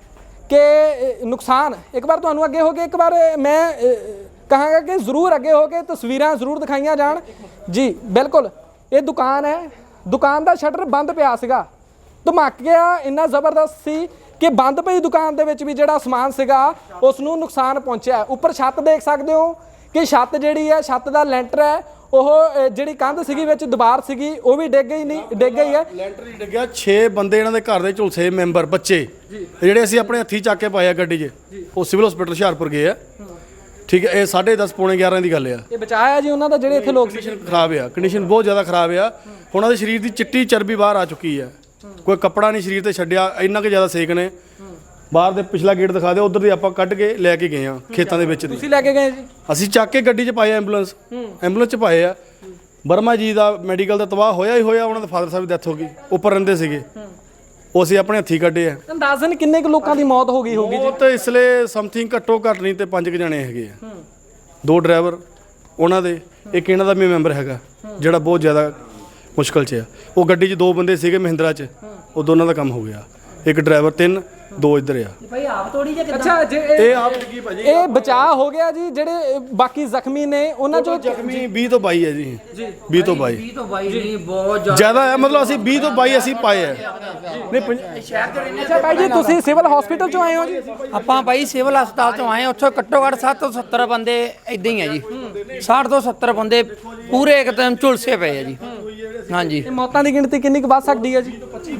ਕਿ ਨੁਕਸਾਨ ਇੱਕ ਵਾਰ ਤੁਹਾਨੂੰ ਅੱਗੇ ਹੋ ਕੇ ਇੱਕ ਵਾਰ ਮੈਂ ਕਹਾਂਗਾ ਕਿ ਜ਼ਰੂਰ ਅੱਗੇ ਹੋ ਕੇ ਤਸਵੀਰਾਂ ਜ਼ਰੂਰ ਦਿਖਾਈਆਂ ਜਾਣ ਜੀ। ਬਿਲਕੁਲ ਇਹ ਦੁਕਾਨ ਹੈ, ਦੁਕਾਨ ਦਾ ਸ਼ਟਰ ਬੰਦ ਪਿਆ ਸੀਗਾ। ਧਮਾਕਾ ਇੰਨਾ ਜ਼ਬਰਦਸਤ ਸੀ ਕਿ ਬੰਦ ਪਈ ਦੁਕਾਨ ਦੇ ਵਿੱਚ ਵੀ ਜਿਹੜਾ ਸਮਾਨ ਸੀਗਾ ਉਸ ਨੂੰ ਨੁਕਸਾਨ ਪਹੁੰਚਿਆ। ਉੱਪਰ ਛੱਤ ਦੇਖ ਸਕਦੇ ਹੋ ਕਿ ਛੱਤ ਜਿਹੜੀ ਹੈ, ਛੱਤ ਦਾ ਲੈਂਟਰ ਹੈ, ਉਹ ਜਿਹੜੀ ਕੰਧ ਸੀਗੀ ਵਿੱਚ ਦੀਵਾਰ ਸੀਗੀ ਉਹ ਵੀ ਡਿੱਗ ਗਈ ਹੈ। ਲੈਂਟਰ ਹੀ ਡਿੱਗਿਆ। 6 ਬੰਦੇ ਇਹਨਾਂ ਦੇ ਘਰ ਦੇ ਝੁਲਸੇ ਮੈਂਬਰ ਬੱਚੇ ਜਿਹੜੇ ਅਸੀਂ ਆਪਣੇ ਹੱਥੀਂ ਚੱਕ ਕੇ ਪਾਏ ਆ ਗੱਡੀ 'ਚ, ਉਹ ਸਿਵਲ ਹਸਪੀਟਲ ਹੁਸ਼ਿਆਰਪੁਰ ਗਏ ਆ। ਠੀਕ ਹੈ, ਇਹ 10:30 ਪੌਣੇ 11 ਦੀ ਗੱਲ ਆ। ਇਹ ਬਚਾਇਆ ਜੀ ਉਹਨਾਂ ਦਾ ਜਿਹੜੇ ਇੱਥੇ ਲੋਕ ਸੀ। ਖਰਾਬ ਆ, ਕੰਡੀਸ਼ਨ ਬਹੁਤ ਜ਼ਿਆਦਾ ਖਰਾਬ ਆ। ਉਹਨਾਂ ਦੇ ਸਰੀਰ ਦੀ ਚਿੱਟੀ ਚਰਬੀ ਬਾਹਰ ਆ ਚੁੱਕੀ ਆ, ਕੋਈ ਕੱਪੜਾ ਨਹੀਂ ਸਰੀਰ ਤੇ ਛੱਡਿਆ, ਇੰਨਾ ਕਿ ਜ਼ਿਆਦਾ ਸੇਕ ਨੇ। ਬਾਹਰ ਦੇ ਪਿਛਲਾ ਗੇਟ ਦਿਖਾ ਦਿਓ, ਉਧਰ ਦੀ ਆਪਾਂ ਕੱਢ ਕੇ ਲੈ ਕੇ ਗਏ ਆ ਖੇਤਾਂ ਦੇ ਵਿੱਚ ਦੀ। ਤੁਸੀਂ ਲੈ ਕੇ ਗਏ ਜੀ? ਅਸੀਂ ਚੱਕ ਕੇ ਗੱਡੀ 'ਚ ਪਾਏ ਐਂਬੂਲੈਂਸ 'ਚ ਪਾਏ ਆ। ਵਰਮਾ ਜੀ ਦਾ ਮੈਡੀਕਲ ਦਾ ਤਬਾਹ ਹੋਇਆ ਹੀ ਹੋਇਆ, ਉਹਨਾਂ ਦੇ ਫਾਦਰ ਸਾਹਿਬ ਦੀ ਡੈਥ ਹੋ ਗਈ, ਉੱਪਰ ਰਹਿੰਦੇ ਸੀਗੇ, ਉਹ ਅਸੀਂ ਆਪਣੇ ਹੱਥੀਂ ਕੱਢੇ ਆ। ਅੰਦਾਜ਼ਨ ਕਿੰਨੇ ਕੁ ਲੋਕਾਂ ਦੀ ਮੌਤ ਹੋ ਗਈ ਹੋਊਗੀ ਜੀ? ਬਹੁਤ ਇਸ ਲਈ ਸਮਥਿੰਗ ਘੱਟੋ ਘੱਟ ਨਹੀਂ ਤੇ 5 ਜਣੇ ਹੈਗੇ ਆ। 2 ਡਰਾਈਵਰ ਉਹਨਾਂ ਦੇ, ਇੱਕ ਇਹਨਾਂ ਦਾ ਵੀ ਮੈਂਬਰ ਹੈਗਾ ਜਿਹੜਾ ਬਹੁਤ ਜ਼ਿਆਦਾ ਮੁਸ਼ਕਲ 'ਚ ਆ। ਉਹ ਗੱਡੀ 'ਚ 2 ਬੰਦੇ ਸੀਗੇ ਮਹਿੰਦਰਾ 'ਚ, ਉਹ ਦੋਨਾਂ ਦਾ ਕੰਮ ਹੋ ਗਿਆ। ਇੱਕ ਡਰਾਈਵਰ 3, 2 ਇੱਧਰ ਆ। ਭਾਈ ਆਪ ਤੋੜੀ ਜਾਂ ਕਿੱਦਾਂ? ਅੱਛਾ ਜੀ, ਇਹ ਆਪ ਕੀ ਭਾਜੀ, ਇਹ ਬਚਾਅ ਹੋ ਗਿਆ ਜੀ। ਜਿਹੜੇ ਬਾਕੀ ਜ਼ਖਮੀ ਨੇ ਉਹਨਾਂ ਚੋਂ ਜ਼ਖਮੀ 20 ਤੋਂ 22 ਹੈ ਜੀ। 20 ਤੋਂ 22 ਨਹੀਂ ਬਹੁਤ ਜ਼ਿਆਦਾ ਹੈ, ਮਤਲਬ ਅਸੀਂ 20 ਤੋਂ 22 ਅਸੀਂ ਪਾਏ ਆ। ਨਹੀਂ ਅੱਛਾ ਭਾਈ ਜੀ, ਤੁਸੀਂ ਸਿਵਲ ਹਸਪੀਟਲ ਚੋਂ ਆਏ ਹੋ ਜੀ? ਆਪਾਂ ਭਾਈ ਸਿਵਲ ਹਸਪਤਾਲ ਤੋਂ ਆਏ, ਉੱਥੋਂ ਘੱਟੋ ਘੱਟ 60 ਤੋਂ 70 ਬੰਦੇ ਇਦਾਂ ਹੀ ਆ ਜੀ। 60 ਤੋਂ 70 ਬੰਦੇ ਪੂਰੇ ਇੱਕਦਮ ਝੁਲਸੇ ਪਏ ਆ ਜੀ। ਹਾਂਜੀ, ਇਹ ਮੌਤਾਂ ਦੀ ਗਿਣਤੀ ਕਿੰਨੀ ਕੁ ਵੱਧ ਸਕਦੀ ਹੈ ਜੀ?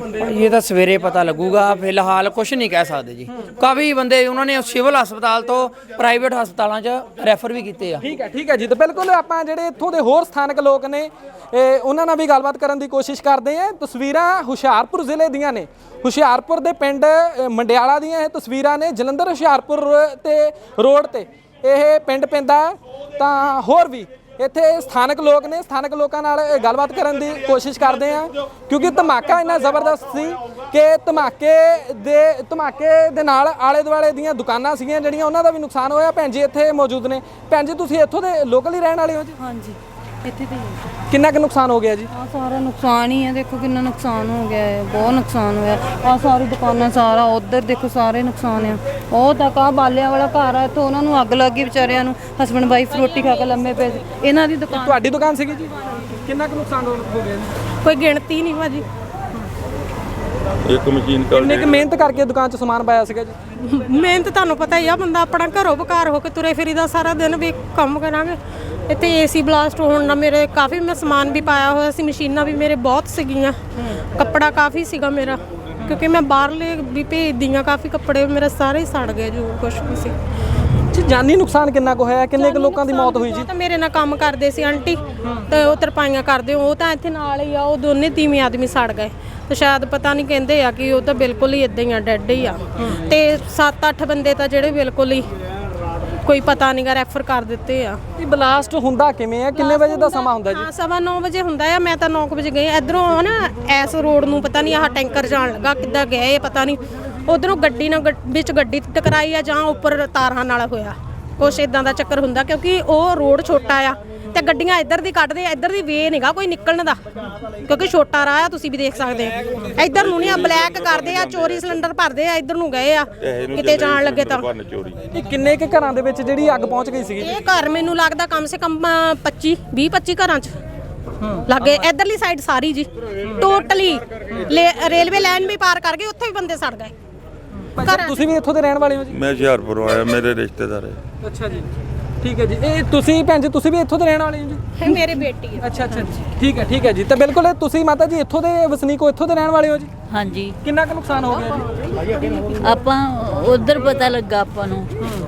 ਇਹ ਤਾਂ ਸਵੇਰੇ ਪਤਾ ਲੱਗੂਗਾ, ਫਿਲਹਾਲ ਕੁਝ ਨਹੀਂ ਕਹਿ ਸਕਦੇ ਜੀ। ਕਾਫੀ ਬੰਦੇ ਉਹਨਾਂ ਨੇ ਸਿਵਲ ਹਸਪਤਾਲ ਤੋਂ ਪ੍ਰਾਈਵੇਟ ਹਸਪਤਾਲਾਂ 'ਚ ਰੈਫਰ ਵੀ ਕੀਤੇ ਆ। ਠੀਕ ਹੈ ਜੀ। ਤਾਂ ਬਿਲਕੁਲ ਆਪਾਂ ਜਿਹੜੇ ਇੱਥੋਂ ਦੇ ਹੋਰ ਸਥਾਨਕ ਲੋਕ ਨੇ ਉਹਨਾਂ ਨਾਲ ਵੀ ਗੱਲਬਾਤ ਕਰਨ ਦੀ ਕੋਸ਼ਿਸ਼ ਕਰਦੇ ਹਾਂ। ਤਸਵੀਰਾਂ ਹੁਸ਼ਿਆਰਪੁਰ ਜ਼ਿਲ੍ਹੇ ਦੀਆਂ ਨੇ, ਹੁਸ਼ਿਆਰਪੁਰ ਦੇ ਪਿੰਡ ਮੰਡਿਆਲਾ ਦੀਆਂ ਇਹ ਤਸਵੀਰਾਂ ਨੇ। ਜਲੰਧਰ ਹੁਸ਼ਿਆਰਪੁਰ ਤੇ ਰੋਡ ਤੇ ਇਹ ਪਿੰਡ ਪੈਂਦਾ। ਤਾਂ ਹੋਰ ਵੀ ਇੱਥੇ ਸਥਾਨਕ ਲੋਕ ਨੇ, ਸਥਾਨਕ ਲੋਕਾਂ ਨਾਲ ਗੱਲਬਾਤ ਕਰਨ ਦੀ ਕੋਸ਼ਿਸ਼ ਕਰਦੇ ਆ, ਕਿਉਂਕਿ ਧਮਾਕਾ ਇੰਨਾ ਜ਼ਬਰਦਸਤ ਸੀ ਕਿ ਧਮਾਕੇ ਦੇ ਨਾਲ ਆਲੇ ਦੁਆਲੇ ਦੀਆਂ ਦੁਕਾਨਾਂ ਸੀਗੀਆਂ ਜਿਹੜੀਆਂ ਉਹਨਾਂ ਦਾ ਵੀ ਨੁਕਸਾਨ ਹੋਇਆ। ਭੈਣ ਜੀ ਇੱਥੇ ਮੌਜੂਦ ਨੇ। ਭੈਣ ਜੀ, ਤੁਸੀਂ ਇੱਥੋਂ ਦੇ ਲੋਕਲ ਹੀ ਰਹਿਣ ਵਾਲੇ ਹੋ ਜੀ? ਹਾਂਜੀ, ਇੱਥੇ ਤੇ ਕਿੰਨਾ ਕੁ ਨੁਕਸਾਨ ਹੋ ਗਿਆ ਜੀ? ਆ ਸਾਰਾ ਨੁਕਸਾਨ ਹੀ ਹੈ। ਦੇਖੋ ਕਿੰਨਾ ਨੁਕਸਾਨ ਹੋ ਗਿਆ ਹੈ, ਬਹੁਤ ਨੁਕਸਾਨ ਹੋਇਆ। ਆ ਸਾਰੀ ਦੁਕਾਨਾਂ, ਸਾਰਾ ਉਧਰ ਦੇਖੋ ਸਾਰੇ ਨੁਕਸਾਨ ਆ। ਉਹ ਤੱਕ ਆ ਬਾਲਿਆਂ ਵਾਲਾ ਘਰ ਆ, ਇੱਥੋਂ ਉਹਨਾਂ ਨੂੰ ਅੱਗ ਲੱਗ ਗਈ ਵਿਚਾਰਿਆਂ ਨੂੰ। ਹਸਬੈਂਡ ਵਾਈਫ ਰੋਟੀ ਖਾ ਕੇ ਲੰਮੇ ਪਏ। ਇਹਨਾਂ ਦੀ ਦੁਕਾਨ, ਤੁਹਾਡੀ ਦੁਕਾਨ ਸੀਗੀ ਜੀ? ਕਿੰਨਾ ਕੁ ਨੁਕਸਾਨ ਹੋ ਗਿਆ ਜੀ? ਕੋਈ ਗਿਣਤੀ ਨਹੀਂ ਭਾਜੀ। ਇੱਕ ਮਸ਼ੀਨ ਕਿੰਨੇ ਕੁ ਮਿਹਨਤ ਕਰਕੇ ਦੁਕਾਨ 'ਚ ਸਮਾਨ ਪਾਇਆ ਸੀਗਾ ਜੀ? ਮਿਹਨਤ ਤੁਹਾਨੂੰ ਪਤਾ ਹੀ ਆ, ਬੰਦਾ ਆਪਣਾ ਘਰੋਂ ਬਕਾਰ ਹੋ ਕੇ ਤੁਰੇ ਫਿਰੀਦਾ ਸਾਰਾ ਦਿਨ, ਵੀ ਕੰਮ ਕਰਾਂਗੇ। ਇੱਥੇ ਏਸੀ ਬਲਾਸਟ ਹੋਣ ਨਾਲ ਮੇਰੇ ਕਾਫੀ ਮੈਂ ਸਮਾਨ ਵੀ ਪਾਇਆ ਹੋਇਆ ਸੀ, ਮਸ਼ੀਨਾਂ ਵੀ ਮੇਰੇ ਬਹੁਤ ਸੀਗੀਆਂ, ਕੱਪੜਾ ਕਾਫੀ ਸੀਗਾ ਮੇਰਾ, ਕਿਉਂਕਿ ਮੈਂ ਬਾਹਰਲੇ ਵੀ ਭੇਜਦੀ ਹਾਂ। ਕਾਫੀ ਕੱਪੜੇ ਮੇਰੇ ਸਾਰੇ ਹੀ ਸੜ ਗਏ ਜੋ ਕੁਛ ਵੀ ਸੀ। ਜਾਨੀ ਨੁਕਸਾਨ ਕਿੰਨਾ ਕੁ ਹੋਇਆ? ਕਿੰਨੇ ਕੁ ਲੋਕਾਂ ਦੀ ਮੌਤ ਹੋਈ ਜੀ? ਤਾਂ ਮੇਰੇ ਨਾਲ ਕੰਮ ਕਰਦੇ ਸੀ ਆਂਟੀ, ਤੇ ਉਹ ਤਰਪਾਈਆਂ ਕਰਦੇ, ਉਹ ਤਾਂ ਇੱਥੇ ਨਾਲ ਹੀ ਆ। ਉਹ ਦੋਨੇ ਤੀਵੀਂ ਆਦਮੀ ਸੜ ਗਏ। ਤੇ ਸ਼ਾਇਦ ਪਤਾ ਨਹੀਂ, ਕਹਿੰਦੇ ਆ ਕਿ ਉਹ ਤਾਂ ਬਿਲਕੁਲ ਹੀ ਇਦਾਂ ਹੀ ਆ, ਡੈਡ ਹੀ ਆ। ਤੇ 7-8 ਬੰਦੇ ਤਾਂ ਜਿਹੜੇ ਬਿਲਕੁਲ ਹੀ ਕੋਈ ਪਤਾ ਨਹੀਂਗਾ, ਰੈਫਰ ਕਰ ਦਿੱਤੇ ਆ। ਇਹ ਬਲਾਸਟ ਹੁੰਦਾ ਕਿਵੇਂ ਆ? ਕਿੰਨੇ ਵਜੇ ਦਾ ਸਮਾਂ ਹੁੰਦਾ ਜੀ? 9:15 ਵਜੇ ਹੁੰਦਾ ਆ। ਮੈਂ ਤਾਂ 9 ਵਜੇ ਗਈ ਇਧਰੋਂ ਨਾ, ਐਸ ਰੋਡ ਨੂੰ ਪਤਾ ਨਹੀਂ ਆਹ ਟੈਂਕਰ ਜਾਣ ਲੱਗਾ, ਕਿੱਦਾਂ ਗਏ ਪਤਾ ਨਹੀਂ। ਉਧਰੋਂ ਗੱਡੀ ਨਾਲ ਵਿੱਚ ਗੱਡੀ ਟਕਰਾਈ ਆ, ਜਾਂ ਉੱਪਰ ਤਾਰਾਂ ਨਾਲ ਹੋਇਆ ਕੁਛ ਇਦਾਂ ਦਾ ਚੱਕਰ ਹੁੰਦਾ, ਕਿਉਂਕਿ ਉਹ ਰੋਡ ਛੋਟਾ ਆ ਤੇ ਗੱਡੀਆਂ ਇੱਧਰ ਦੀ ਕੱਢਦੇ ਆ। ਇੱਧਰ ਦੀ ਵੇ ਨਹੀਂਗਾ ਕੋਈ ਨਿਕਲਣ ਦਾ, ਕਿਉਂਕਿ ਛੋਟਾ ਰਾਹ ਆ, ਤੁਸੀਂ ਵੀ ਦੇਖ ਸਕਦੇ ਆ। ਇੱਧਰ ਨੂੰ ਨਹੀਂ ਆ, ਬਲੈਕ ਕਰਦੇ ਆ, ਚੋਰੀ ਸਿਲੰਡਰ ਭਰਦੇ ਆ, ਇੱਧਰ ਨੂੰ ਗਏ ਆ ਕਿਤੇ ਜਾਣ ਲੱਗੇ ਤਾਂ। ਇਹ ਕਿੰਨੇ ਕੁ ਘਰਾਂ ਦੇ ਵਿੱਚ ਜਿਹੜੀ ਅੱਗ ਪਹੁੰਚ ਗਈ ਸੀਗੀ? ਇਹ ਘਰ ਮੈਨੂੰ ਲੱਗਦਾ ਕਮ ਸੇ ਕਮ 20-25 ਘਰਾਂ 'ਚ ਲੱਗੇ। ਇੱਧਰਲੀ ਸਾਈਡ ਸਾਰੀ ਜੀ ਟੋਟਲੀ ਰੇਲਵੇ ਲਾਈਨ ਵੀ ਪਾਰ ਕਰ ਗਏ, ਉੱਥੇ ਵੀ ਬੰਦੇ ਸੜ ਗਏ। ਤੁਸੀਂ ਵੀ ਇੱਥੋਂ ਦੇ ਰਹਿਣ ਵਾਲੇ ਹੋ ਜੀ? ਮੈਂ ਹੁਸ਼ਿਆਰਪੁਰੋਂ ਆਇਆ, ਮੇਰੇ ਰਿਸ਼ਤੇਦਾਰ ਹੈ। ਅੱਛਾ ਜੀ, ਠੀਕ ਹੈ ਜੀ। ਇਹ ਤੁਸੀਂ ਭੈਣ ਜੀ, ਤੁਸੀਂ ਵੀ ਇੱਥੋਂ ਦੇ ਰਹਿਣ ਵਾਲੇ ਹੋ ਜੀ? ਇਹ ਮੇਰੀ ਬੇਟੀ ਹੈ। ਅੱਛਾ ਠੀਕ ਹੈ ਜੀ। ਤਾਂ ਬਿਲਕੁਲ ਤੁਸੀਂ ਮਾਤਾ ਜੀ ਇੱਥੋਂ ਦੇ ਵਸਨੀਕ ਹੋ, ਇੱਥੋਂ ਦੇ ਰਹਿਣ ਵਾਲੇ ਹੋ ਜੀ? ਹਾਂਜੀ। ਕਿੰਨਾ ਕੁ ਨੁਕਸਾਨ ਹੋ ਗਿਆ ਜੀ? ਆਪਾਂ ਉਧਰ ਪਤਾ ਲੱਗਾ ਆਪਾਂ ਨੂੰ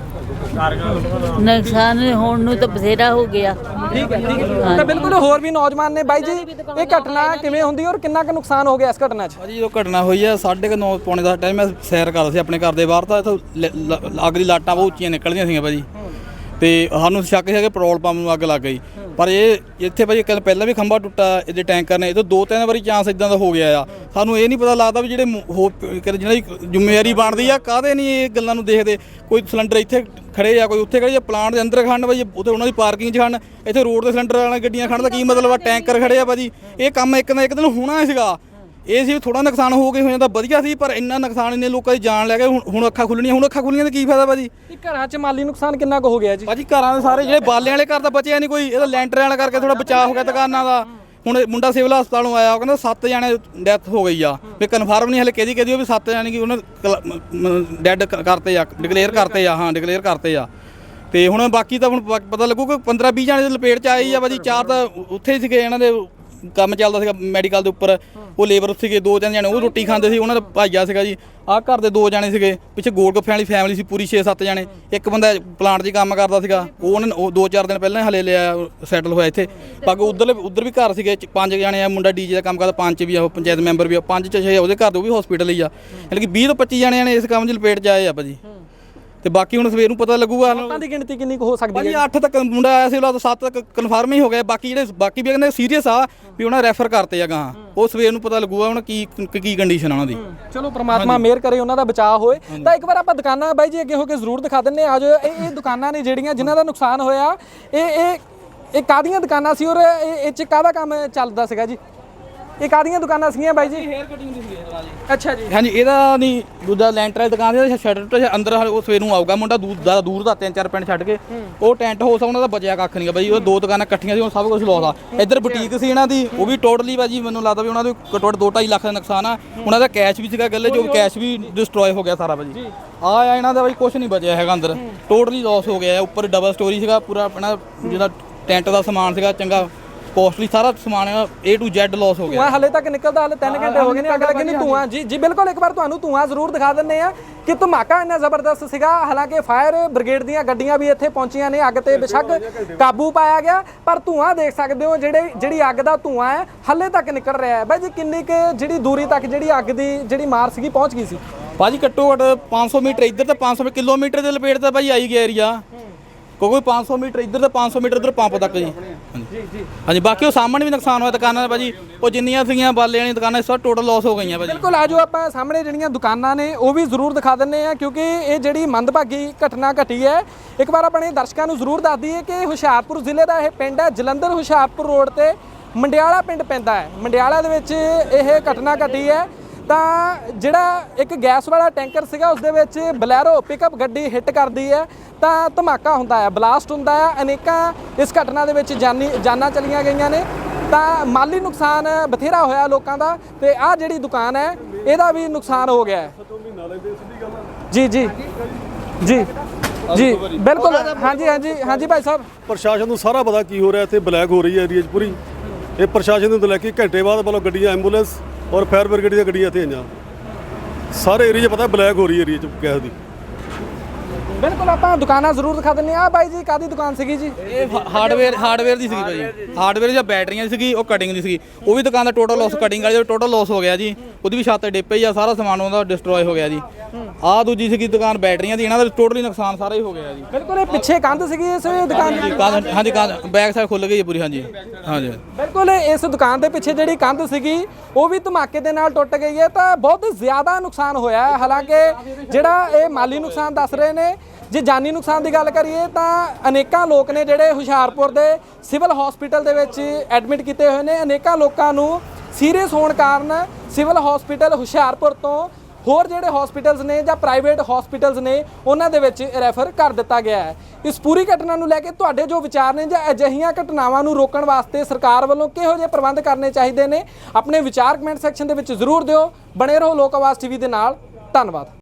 ਨੁਕਸਾਨ ਹੋਣ ਨੂੰ ਤਾਂ ਬਥੇਰਾ ਹੋ ਗਿਆ। ਠੀਕ ਹੈ ਤਾਂ ਬਿਲਕੁਲ ਹੋਰ ਵੀ ਨੌਜਵਾਨ ਨੇ ਬਾਈ ਜੀ, ਇਹ ਘਟਨਾ ਕਿਵੇਂ ਹੁੰਦੀ ਔਰ ਕਿੰਨਾ ਕੁ ਨੁਕਸਾਨ ਹੋ ਗਿਆ ਇਸ ਘਟਨਾ 'ਚ? ਭਾਜੀ ਜਦੋਂ ਘਟਨਾ ਹੋਈ ਆ 9:30 ਪੌਣੇ 10 ਟਾਈਮ ਮੈਂ ਸੈਰ ਕਰਦਾ ਸੀ ਆਪਣੇ ਘਰ ਦੇ ਬਾਹਰ, ਤਾਂ ਇੱਥੋਂ ਅੱਗ ਦੀ ਲਾਟਾਂ ਬਹੁਤ ਉੱਚੀਆਂ ਨਿਕਲਦੀਆਂ ਸੀਗੀਆਂ ਭਾਜੀ, ਤੇ ਸਾਨੂੰ ਸ਼ੱਕ ਸੀਗਾ ਕਿ ਪੈਟਰੋਲ ਪੰਪ ਨੂੰ ਅੱਗ ਲੱਗ ਗਈ। ਪਰ ਇਹ ਇੱਥੇ ਭਾਜੀ ਕੱਲ ਪਹਿਲਾਂ ਵੀ ਖੰਭਾ ਟੁੱਟਾ ਇਹਦੇ ਟੈਂਕਰ ਨੇ, ਇਹ ਤੋਂ 2-3 ਵਾਰੀ ਚਾਂਸ ਇਦਾਂ ਦਾ ਹੋ ਗਿਆ ਆ। ਸਾਨੂੰ ਇਹ ਨਹੀਂ ਪਤਾ ਲੱਗਦਾ ਵੀ ਜਿਹੜੇ ਜਿਹਨਾਂ ਦੀ ਜ਼ਿੰਮੇਵਾਰੀ ਬਣਦੀ ਆ ਕਾਹਦੇ ਨਹੀਂ ਇਹ ਗੱਲਾਂ ਨੂੰ ਦੇਖਦੇ। ਕੋਈ ਸਿਲੰਡਰ ਇੱਥੇ ਖੜੇ ਆ, ਕੋਈ ਉੱਥੇ ਖੜੇ ਆ, ਪਲਾਂਟ ਦੇ ਅੰਦਰ ਖੜਨ ਭਾਜੀ, ਉੱਥੇ ਉਹਨਾਂ ਦੀ ਪਾਰਕਿੰਗ 'ਚ ਖੜਨ, ਇੱਥੇ ਰੋਡ ਦੇ ਸਿਲੰਡਰ ਵਾਲੀਆਂ ਗੱਡੀਆਂ ਖੜਨ ਦਾ ਕੀ ਮਤਲਬ ਆ? ਟੈਂਕਰ ਖੜੇ ਆ ਭਾਜੀ, ਇਹ ਕੰਮ ਇੱਕ ਨਾ ਇੱਕ ਦਿਨ ਹੋਣਾ ਸੀਗਾ। ਇਹ ਸੀ ਥੋੜਾ ਨੁਕਸਾਨ ਹੋ ਜਾਂਦਾ ਵਧੀਆ ਸੀ, ਪਰ ਇੰਨਾ ਨੁਕਸਾਨ ਇੰਨੇ ਲੋਕਾਂ ਦੀ ਜਾਨ ਲੈ ਗਏ। ਹੁਣ ਅੱਖਾਂ ਖੁੱਲਣੀਆਂ, ਅੱਖਾਂ ਖੁੱਲਣੀਆਂ ਤਾਂ ਕੀ ਫਾਇਦਾ ਭਾਜੀ? ਘਰਾਂ 'ਚ ਮਾਲੀ ਨੁਕਸਾਨ ਕਿੰਨਾ ਕੁ ਹੋ ਗਿਆ ਜੀ? ਭਾਜੀ ਘਰਾਂ ਦੇ ਸਾਰੇ ਜਿਹੜੇ ਬਾਲੇ ਵਾਲੇ ਘਰ ਤਾਂ ਬਚਿਆ ਨਹੀਂ ਕੋਈ, ਇਹਦਾ ਲੈਂਟਰ ਵਾਲਾ ਕਰਕੇ ਥੋੜਾ ਬਚਾਅ ਹੋ ਗਿਆ ਦੁਕਾਨਾਂ ਦਾ। ਹੁਣ ਮੁੰਡਾ ਸਿਵਲ ਹਸਪਤਾਲੋਂ ਆਇਆ, ਉਹ ਕਹਿੰਦਾ 7 ਜਣੇ ਡੈਥ ਹੋ ਗਈ ਆ, ਵੀ ਕਨਫਰਮ ਨਹੀਂ ਹਲੇ ਕਿਹਦੀ ਉਹ ਵੀ 7 ਜਣੇ ਕੀ ਉਹਨੇ ਡੈਡ ਕਰਤੇ ਆ, ਡਿਕਲੇਅਰ ਕਰਤੇ ਆ। ਹਾਂ ਡਿਕਲੇਅਰ ਕਰਤੇ ਆ। ਤੇ ਹੁਣ ਬਾਕੀ ਤਾਂ ਹੁਣ ਪਤਾ ਲੱਗੂ ਕਿ 15-20 ਜਣੇ ਦੀ ਲਪੇਟ 'ਚ ਆਏ ਆ ਭਾਜੀ। 4 ਤਾਂ ਉੱਥੇ ਹੀ ਸੀਗੇ, ਇਹਨਾਂ ਦੇ ਕੰਮ ਚੱਲਦਾ ਸੀਗਾ ਮੈਡੀਕਲ ਦੇ ਉੱਪਰ, ਉਹ ਲੇਬਰ ਸੀਗੇ। 2-3 ਜਣੇ ਉਹ ਰੋਟੀ ਖਾਂਦੇ ਸੀ, ਉਹਨਾਂ ਦਾ ਭਾਈਆ ਸੀਗਾ ਜੀ। ਆਹ ਘਰ ਦੇ 2 ਜਣੇ ਸੀਗੇ, ਪਿੱਛੇ ਗੋਲ ਗੱਫਿਆਂ ਵਾਲੀ ਫੈਮਿਲੀ ਸੀ ਪੂਰੀ 6-7 ਜਣੇ। ਇੱਕ ਬੰਦਾ ਪਲਾਂਟ 'ਚ ਕੰਮ ਕਰਦਾ ਸੀਗਾ, ਉਹ 2-4 ਦਿਨ ਪਹਿਲਾਂ ਹਲੇ ਲਿਆ ਸੈਟਲ ਹੋਇਆ ਇੱਥੇ। ਬਾਕੀ ਉੱਧਰ ਵੀ ਘਰ ਸੀਗੇ 5 ਜਣੇ ਆ, ਮੁੰਡਾ ਡੀਜੇ ਦਾ ਕੰਮ ਕਰਦਾ, 5 ਵੀ ਆ, ਉਹ ਪੰਚਾਇਤ ਮੈਂਬਰ ਵੀ ਆ, 5-6 ਉਹਦੇ ਘਰ ਦੇ ਉਹ ਵੀ ਹਸਪੀਟਲ ਹੀ ਆ। ਯਾਨੀ ਕਿ 20 ਤੋਂ 25 ਜਣੇ ਨੇ ਇਸ ਕੰਮ 'ਚ ਲਪੇਟ 'ਚ ਆਏ ਆ ਭਾਜੀ। ਤੇ ਬਾਕੀ ਹੁਣ ਸਵੇਰ ਨੂੰ ਪਤਾ ਲੱਗੂਗਾ ਲੋਕਾਂ ਦੀ ਗਿਣਤੀ ਕਿੰਨੀ ਕੁ ਹੋ ਸਕਦੀ ਹੈ? ਭਾਜੀ 8 ਤੱਕ ਮੁੰਡਾ ਆਇਆ ਸੀ, ਉਹਦਾ 7 ਤੱਕ ਕਨਫਰਮ ਹੀ ਹੋ ਗਿਆ। ਬਾਕੀ ਵੀ ਕਹਿੰਦੇ ਸੀਰੀਅਸ ਆ, ਵੀ ਉਹਨਾਂ ਰੈਫਰ ਕਰਤੇ ਆ ਗਾਂ। ਉਹ ਸਵੇਰ ਨੂੰ ਪਤਾ ਲੱਗੂਗਾ ਹੁਣ ਕੀ ਕੰਡੀਸ਼ਨ ਆ ਉਹਨਾਂ ਦੀ। ਚਲੋ ਪ੍ਰਮਾਤਮਾ ਮਿਹਰ ਕਰੇ, ਉਹਨਾਂ ਦਾ ਬਚਾਅ ਹੋਏ। ਤਾਂ ਇੱਕ ਵਾਰ ਆਪਾਂ ਦੁਕਾਨਾਂ ਬਾਈ ਜੀ ਅੱਗੇ ਹੋ ਕੇ ਜ਼ਰੂਰ ਦਿਖਾ ਦਿੰਨੇ ਆ। ਜੋ ਇਹ ਦੁਕਾਨਾਂ ਨੇ ਜਿਹੜੀਆਂ ਜਿਨ੍ਹਾਂ ਦਾ ਨੁਕਸਾਨ ਹੋਇਆ, ਇਹ ਕਾਹਦੀਆਂ ਦੁਕਾਨਾਂ ਸੀ ਔਰ ਇਹ 'ਚ ਕਾਹਦਾ ਕੰਮ ਚੱਲਦਾ ਸੀਗਾ ਜੀ? ਇਹ ਕਾਹਦੀਆਂ ਦੁਕਾਨਾਂ ਸੀਗੀਆਂ ਬਾਈ ਜੀ? ਹੇਅਰ ਕਟਿੰਗ ਦੀ ਸੀ। ਅੱਛਾ ਜੀ। ਹਾਂਜੀ, ਇਹਦਾ ਨਹੀਂ ਦੂਜਾ ਲੈਂਟਰ ਵਾਲੀ ਦੁਕਾਨ ਦੀ ਸ਼ਟਰ ਅੰਦਰ ਉਹ ਸਵੇਰ ਨੂੰ ਆਊਗਾ ਮੁੰਡਾ ਦੂਰ ਦਾ 3-4 ਪਿੰਡ ਛੱਡ ਕੇ। ਉਹ ਟੈਂਟ ਹਾਊਸ ਉਹਨਾਂ ਦਾ ਬਚਿਆ ਕੱਖ ਨਹੀਂ ਬਾਈ। ਉਹ 2 ਦੁਕਾਨਾਂ ਇਕੱਠੀਆਂ ਸੀ, ਉਹ ਸਭ ਕੁਝ ਲੋਸ ਆ। ਇੱਧਰ ਬੁਟੀਕ ਸੀ ਇਹਨਾਂ ਦੀ, ਉਹ ਵੀ ਟੋਟਲੀ ਬਾਜੀ ਮੈਨੂੰ ਲੱਗਦਾ ਵੀ ਉਹਨਾਂ ਦੇ ਘੱਟੋ ਘੱਟ 2-2.5 ਲੱਖ ਦਾ ਨੁਕਸਾਨ ਆ। ਉਹਨਾਂ ਦਾ ਕੈਸ਼ ਵੀ ਸੀਗਾ ਗੱਲੇ, ਜੋ ਕੈਸ਼ ਵੀ ਡਿਸਟਰੋਏ ਹੋ ਗਿਆ ਸਾਰਾ ਬਾਜੀ। ਆ ਇਹਨਾਂ ਦਾ ਬਾਈ ਕੁਝ ਨਹੀਂ ਬਚਿਆ ਹੈਗਾ ਅੰਦਰ, ਟੋਟਲੀ ਲੋਸ ਹੋ ਗਿਆ। ਉੱਪਰ ਡਬਲ ਸਟੋਰੀ ਸੀਗਾ ਪੂਰਾ ਆਪਣਾ, ਜਿਹੜਾ ਟੈਂਟ ਦਾ ਸਮਾਨ ਸੀਗਾ ਚੰਗਾ ਕੋਸਟਲੀ ਸਾਰਾ ਸਮਾਨ A to Z ਲਾਸ ਹੋ ਗਿਆ। ਹਲੇ ਤੱਕ ਨਿਕਲਦਾ, ਹਲੇ 3 ਘੰਟੇ ਹੋ ਗਏ ਨੇ ਅੱਗ ਲੱਗੀ ਨੂੰ। ਧੂਆਂ ਜੀ ਬਿਲਕੁਲ, ਇੱਕ ਵਾਰ ਤੁਹਾਨੂੰ ਧੂਆਂ ਜ਼ਰੂਰ ਦਿਖਾ ਦਿੰਨੇ ਆ ਕਿ ਧਮਾਕਾ ਇੰਨਾ ਜ਼ਬਰਦਸਤ ਸੀਗਾ। ਹਾਲਾਂਕਿ ਫਾਇਰ ਬ੍ਰਿਗੇਡ ਦੀਆਂ ਗੱਡੀਆਂ ਵੀ ਇੱਥੇ ਪਹੁੰਚੀਆਂ ਨੇ, ਅੱਗ ਤੇ ਬੇਸ਼ੱਕ ਕਾਬੂ ਪਾਇਆ ਗਿਆ, ਪਰ ਧੂਆਂ ਦੇਖ ਸਕਦੇ ਹੋ ਜਿਹੜੀ ਅੱਗ ਦਾ ਧੂਆਂ ਹੈ ਹਲੇ ਤੱਕ ਨਿਕਲ ਰਿਹਾ ਹੈ। ਬਾਈ ਜੀ ਕਿੰਨੀ ਕੁ ਜਿਹੜੀ ਦੂਰੀ ਤੱਕ ਜਿਹੜੀ ਅੱਗ ਦੀ ਜਿਹੜੀ ਮਾਰ ਸੀਗੀ ਪਹੁੰਚ ਗਈ ਸੀ? ਭਾਜੀ ਘੱਟੋ ਘੱਟ 500 ਮੀਟਰ ਇੱਧਰ ਤੇ 500 ਕਿਲੋਮੀਟਰ ਦੇ ਲਪੇਟ ਤਾਂ ਭਾਈ ਆਈ ਗਿਆ ਏਰੀਆ। ਕੋਈ 500 ਮੀਟਰ ਇੱਧਰ ਤੇ 500 ਮੀਟਰ ਇੱਧਰ ਪੰਪ ਤੱਕ ਜੀ। ਹਾਂਜੀ ਬਾਕੀ ਉਹ ਸਾਹਮਣੇ ਵੀ ਨੁਕਸਾਨ ਹੋਇਆ ਦੁਕਾਨਾਂ ਦਾ ਭਾਜੀ, ਉਹ ਜਿੰਨੀਆਂ ਸੀਗੀਆਂ ਬਾਲੇ ਵਾਲੀਆਂ ਦੁਕਾਨਾਂ ਸਭ ਟੋਟਲ ਲਾਸ ਹੋ ਗਈਆਂ ਭਾਜੀ। ਬਿਲਕੁਲ, ਆਜੋ ਆਪਾਂ ਸਾਹਮਣੇ ਜਿਹੜੀਆਂ ਦੁਕਾਨਾਂ ਨੇ ਉਹ ਵੀ ਜ਼ਰੂਰ ਦਿਖਾ ਦਿੰਨੇ ਆ, ਕਿਉਂਕਿ ਇਹ ਜਿਹੜੀ ਮੰਦਭਾਗੀ ਘਟਨਾ ਘਟੀ ਹੈ ਇੱਕ ਵਾਰ ਆਪਣੇ ਦਰਸ਼ਕਾਂ ਨੂੰ ਜ਼ਰੂਰ ਦੱਸ ਦਈਏ ਕਿ ਹੁਸ਼ਿਆਰਪੁਰ ਜ਼ਿਲ੍ਹੇ ਦਾ ਇਹ ਪਿੰਡ ਹੈ। ਜਲੰਧਰ ਹੁਸ਼ਿਆਰਪੁਰ ਰੋਡ ਤੇ ਮੰਡਿਆਲਾ ਪਿੰਡ ਪੈਂਦਾ ਹੈ। ਮੰਡਿਆਲਾ ਦੇ ਵਿੱਚ ਇਹ ਘਟਨਾ ਘਟੀ ਹੈ। ਤਾਂ ਜਿਹੜਾ ਇੱਕ ਗੈਸ ਵਾਲਾ ਟੈਂਕਰ ਸੀਗਾ, ਉਸ ਦੇ ਵਿੱਚ ਬਲੈਰੋ ਪਿਕਅਪ ਗੱਡੀ ਹਿੱਟ ਕਰਦੀ ਹੈ ਤਾਂ ਧਮਾਕਾ ਹੁੰਦਾ ਹੈ, ਬਲਾਸਟ ਹੁੰਦਾ ਹੈ। ਅਨੇਕਾਂ ਇਸ ਘਟਨਾ ਦੇ ਵਿੱਚ ਜਾਨਾਂ ਚਲੀਆਂ ਗਈਆਂ ਨੇ, ਤਾਂ ਮਾਲੀ ਨੁਕਸਾਨ ਬਥੇਰਾ ਹੋਇਆ ਲੋਕਾਂ ਦਾ। ਤੇ ਆਹ ਜਿਹੜੀ ਦੁਕਾਨ ਹੈ ਇਹਦਾ ਵੀ ਨੁਕਸਾਨ ਹੋ ਗਿਆ ਹੈ। ਜੀ ਜੀ ਜੀ ਜੀ ਬਿਲਕੁਲ। ਹਾਂਜੀ ਭਾਈ ਸਾਹਿਬ, ਪ੍ਰਸ਼ਾਸਨ ਨੂੰ ਸਾਰਾ ਪਤਾ ਕੀ ਹੋ ਰਿਹਾ ਇੱਥੇ, ਬਲੈਕ ਹੋ ਰਹੀ ਹੈ ਏਰੀਆ 'ਚ ਪੂਰੀ। ਇਹ ਪ੍ਰਸ਼ਾਸਨ ਨੂੰ ਲੈ ਕੇ ਘੰਟੇ ਬਾਅਦ ਮਤਲਬ ਗੱਡੀਆਂ ਐਂਬੂਲੈਂਸ ਔਰ ਫਾਇਰ ਬ੍ਰਿਗੇਡ ਦੀਆਂ ਗੱਡੀਆਂ ਇੱਥੇ ਆਈਆਂ। ਸਾਰੇ ਏਰੀਆ 'ਚ ਪਤਾ ਬਲੈਕ ਹੋ ਰਹੀ ਹੈ ਏਰੀਆ 'ਚ ਗੈਸ ਦੀ। ਬਿਲਕੁਲ, ਆਪਾਂ ਦੁਕਾਨਾਂ ਜ਼ਰੂਰ ਦਿਖਾ ਦਿੰਨੇ ਆ। ਬਾਈ ਜੀ ਕਾਹਦੀ ਦੁਕਾਨ ਸੀਗੀ ਜੀ? ਇਹ ਹਾਰਡਵੇਅਰ ਦੀ ਸੀਗੀ ਭਾਜੀ। ਹਾਰਡਵੇਅਰ ਜਾਂ ਬੈਟਰੀਆਂ ਦੀ ਸੀਗੀ, ਉਹ ਕਟਿੰਗ ਦੀ ਸੀਗੀ। ਉਹ ਵੀ ਦੁਕਾਨ ਦਾ ਟੋਟਲ ਲਾਸ, ਕਟਿੰਗ ਵਾਲੀ ਟੋਟਲ ਲਾਸ ਹੋ ਗਿਆ ਜੀ। ਉਹਦੀ ਵੀ ਛੱਤ ਡਿੱਗ ਪਈ ਆ, ਸਾਰਾ ਸਮਾਨ ਉਹਦਾ ਡਿਸਟਰੋਏ ਹੋ ਗਿਆ ਜੀ। ਆਹ ਦੂਜੀ ਸੀਗੀ ਦੁਕਾਨ ਬੈਟਰੀਆਂ ਦੀ, ਇਹਨਾਂ ਦਾ ਟੋਟਲੀ ਨੁਕਸਾਨ ਸਾਰਾ ਹੀ ਹੋ ਗਿਆ ਜੀ। ਬਿਲਕੁਲ, ਇਹ ਪਿੱਛੇ ਕੰਧ ਸੀਗੀ ਇਸ ਦੁਕਾਨ ਦੀ? ਹਾਂਜੀ ਕੰਧ ਬੈਕ ਸਾਈਡ ਖੁੱਲ ਗਈ ਪੂਰੀ। ਹਾਂਜੀ ਹਾਂਜੀ ਬਿਲਕੁਲ, ਇਸ ਦੁਕਾਨ ਦੇ ਪਿੱਛੇ ਜਿਹੜੀ ਕੰਧ ਸੀਗੀ ਉਹ ਵੀ ਧਮਾਕੇ ਦੇ ਨਾਲ ਟੁੱਟ ਗਈ ਹੈ, ਤਾਂ ਬਹੁਤ ਜ਼ਿਆਦਾ ਨੁਕਸਾਨ ਹੋਇਆ ਹੈ। ਹਾਲਾਂਕਿ ਜਿਹੜਾ ਇਹ ਮਾਲੀ ਨੁਕਸਾਨ ਦੱਸ ਰਹੇ ਨੇ, ਜੇ ਜਾਨੀ ਨੁਕਸਾਨ ਦੀ ਗੱਲ ਕਰੀਏ ਤਾਂ ਅਨੇਕਾਂ ਲੋਕ ਨੇ ਜਿਹੜੇ ਹੁਸ਼ਿਆਰਪੁਰ ਦੇ ਸਿਵਲ ਹਸਪੀਟਲ ਦੇ ਵਿੱਚ ਐਡਮਿਟ ਕੀਤੇ ਹੋਏ ਨੇ। ਅਨੇਕਾਂ ਲੋਕਾਂ ਨੂੰ ਸੀਰੀਅਸ ਹੋਣ ਕਾਰਨ ਸਿਵਲ ਹਸਪੀਟਲ ਹੁਸ਼ਿਆਰਪੁਰ ਤੋਂ ਹੋਰ ਜਿਹੜੇ ਹਸਪੀਟਲਸ ਨੇ ਜਾਂ ਪ੍ਰਾਈਵੇਟ ਹਸਪੀਟਲਸ ਨੇ ਉਹਨਾਂ ਦੇ ਵਿੱਚ ਰੈਫਰ ਕਰ ਦਿੱਤਾ ਗਿਆ ਹੈ। ਇਸ ਪੂਰੀ ਘਟਨਾ ਨੂੰ ਲੈ ਕੇ ਤੁਹਾਡੇ ਜੋ ਵਿਚਾਰ ਨੇ, ਜਾਂ ਅਜਿਹੀਆਂ ਘਟਨਾਵਾਂ ਨੂੰ ਰੋਕਣ ਵਾਸਤੇ ਸਰਕਾਰ ਵੱਲੋਂ ਕਿਹੋ ਜਿਹੇ ਪ੍ਰਬੰਧ ਕਰਨੇ ਚਾਹੀਦੇ ਨੇ, ਆਪਣੇ ਵਿਚਾਰ ਕਮੈਂਟ ਸੈਕਸ਼ਨ ਦੇ ਵਿੱਚ ਜ਼ਰੂਰ ਦਿਓ। ਬਣੇ ਰਹੋ ਲੋਕ ਆਵਾਜ਼ ਟੀਵੀ ਦੇ ਨਾਲ। ਧੰਨਵਾਦ।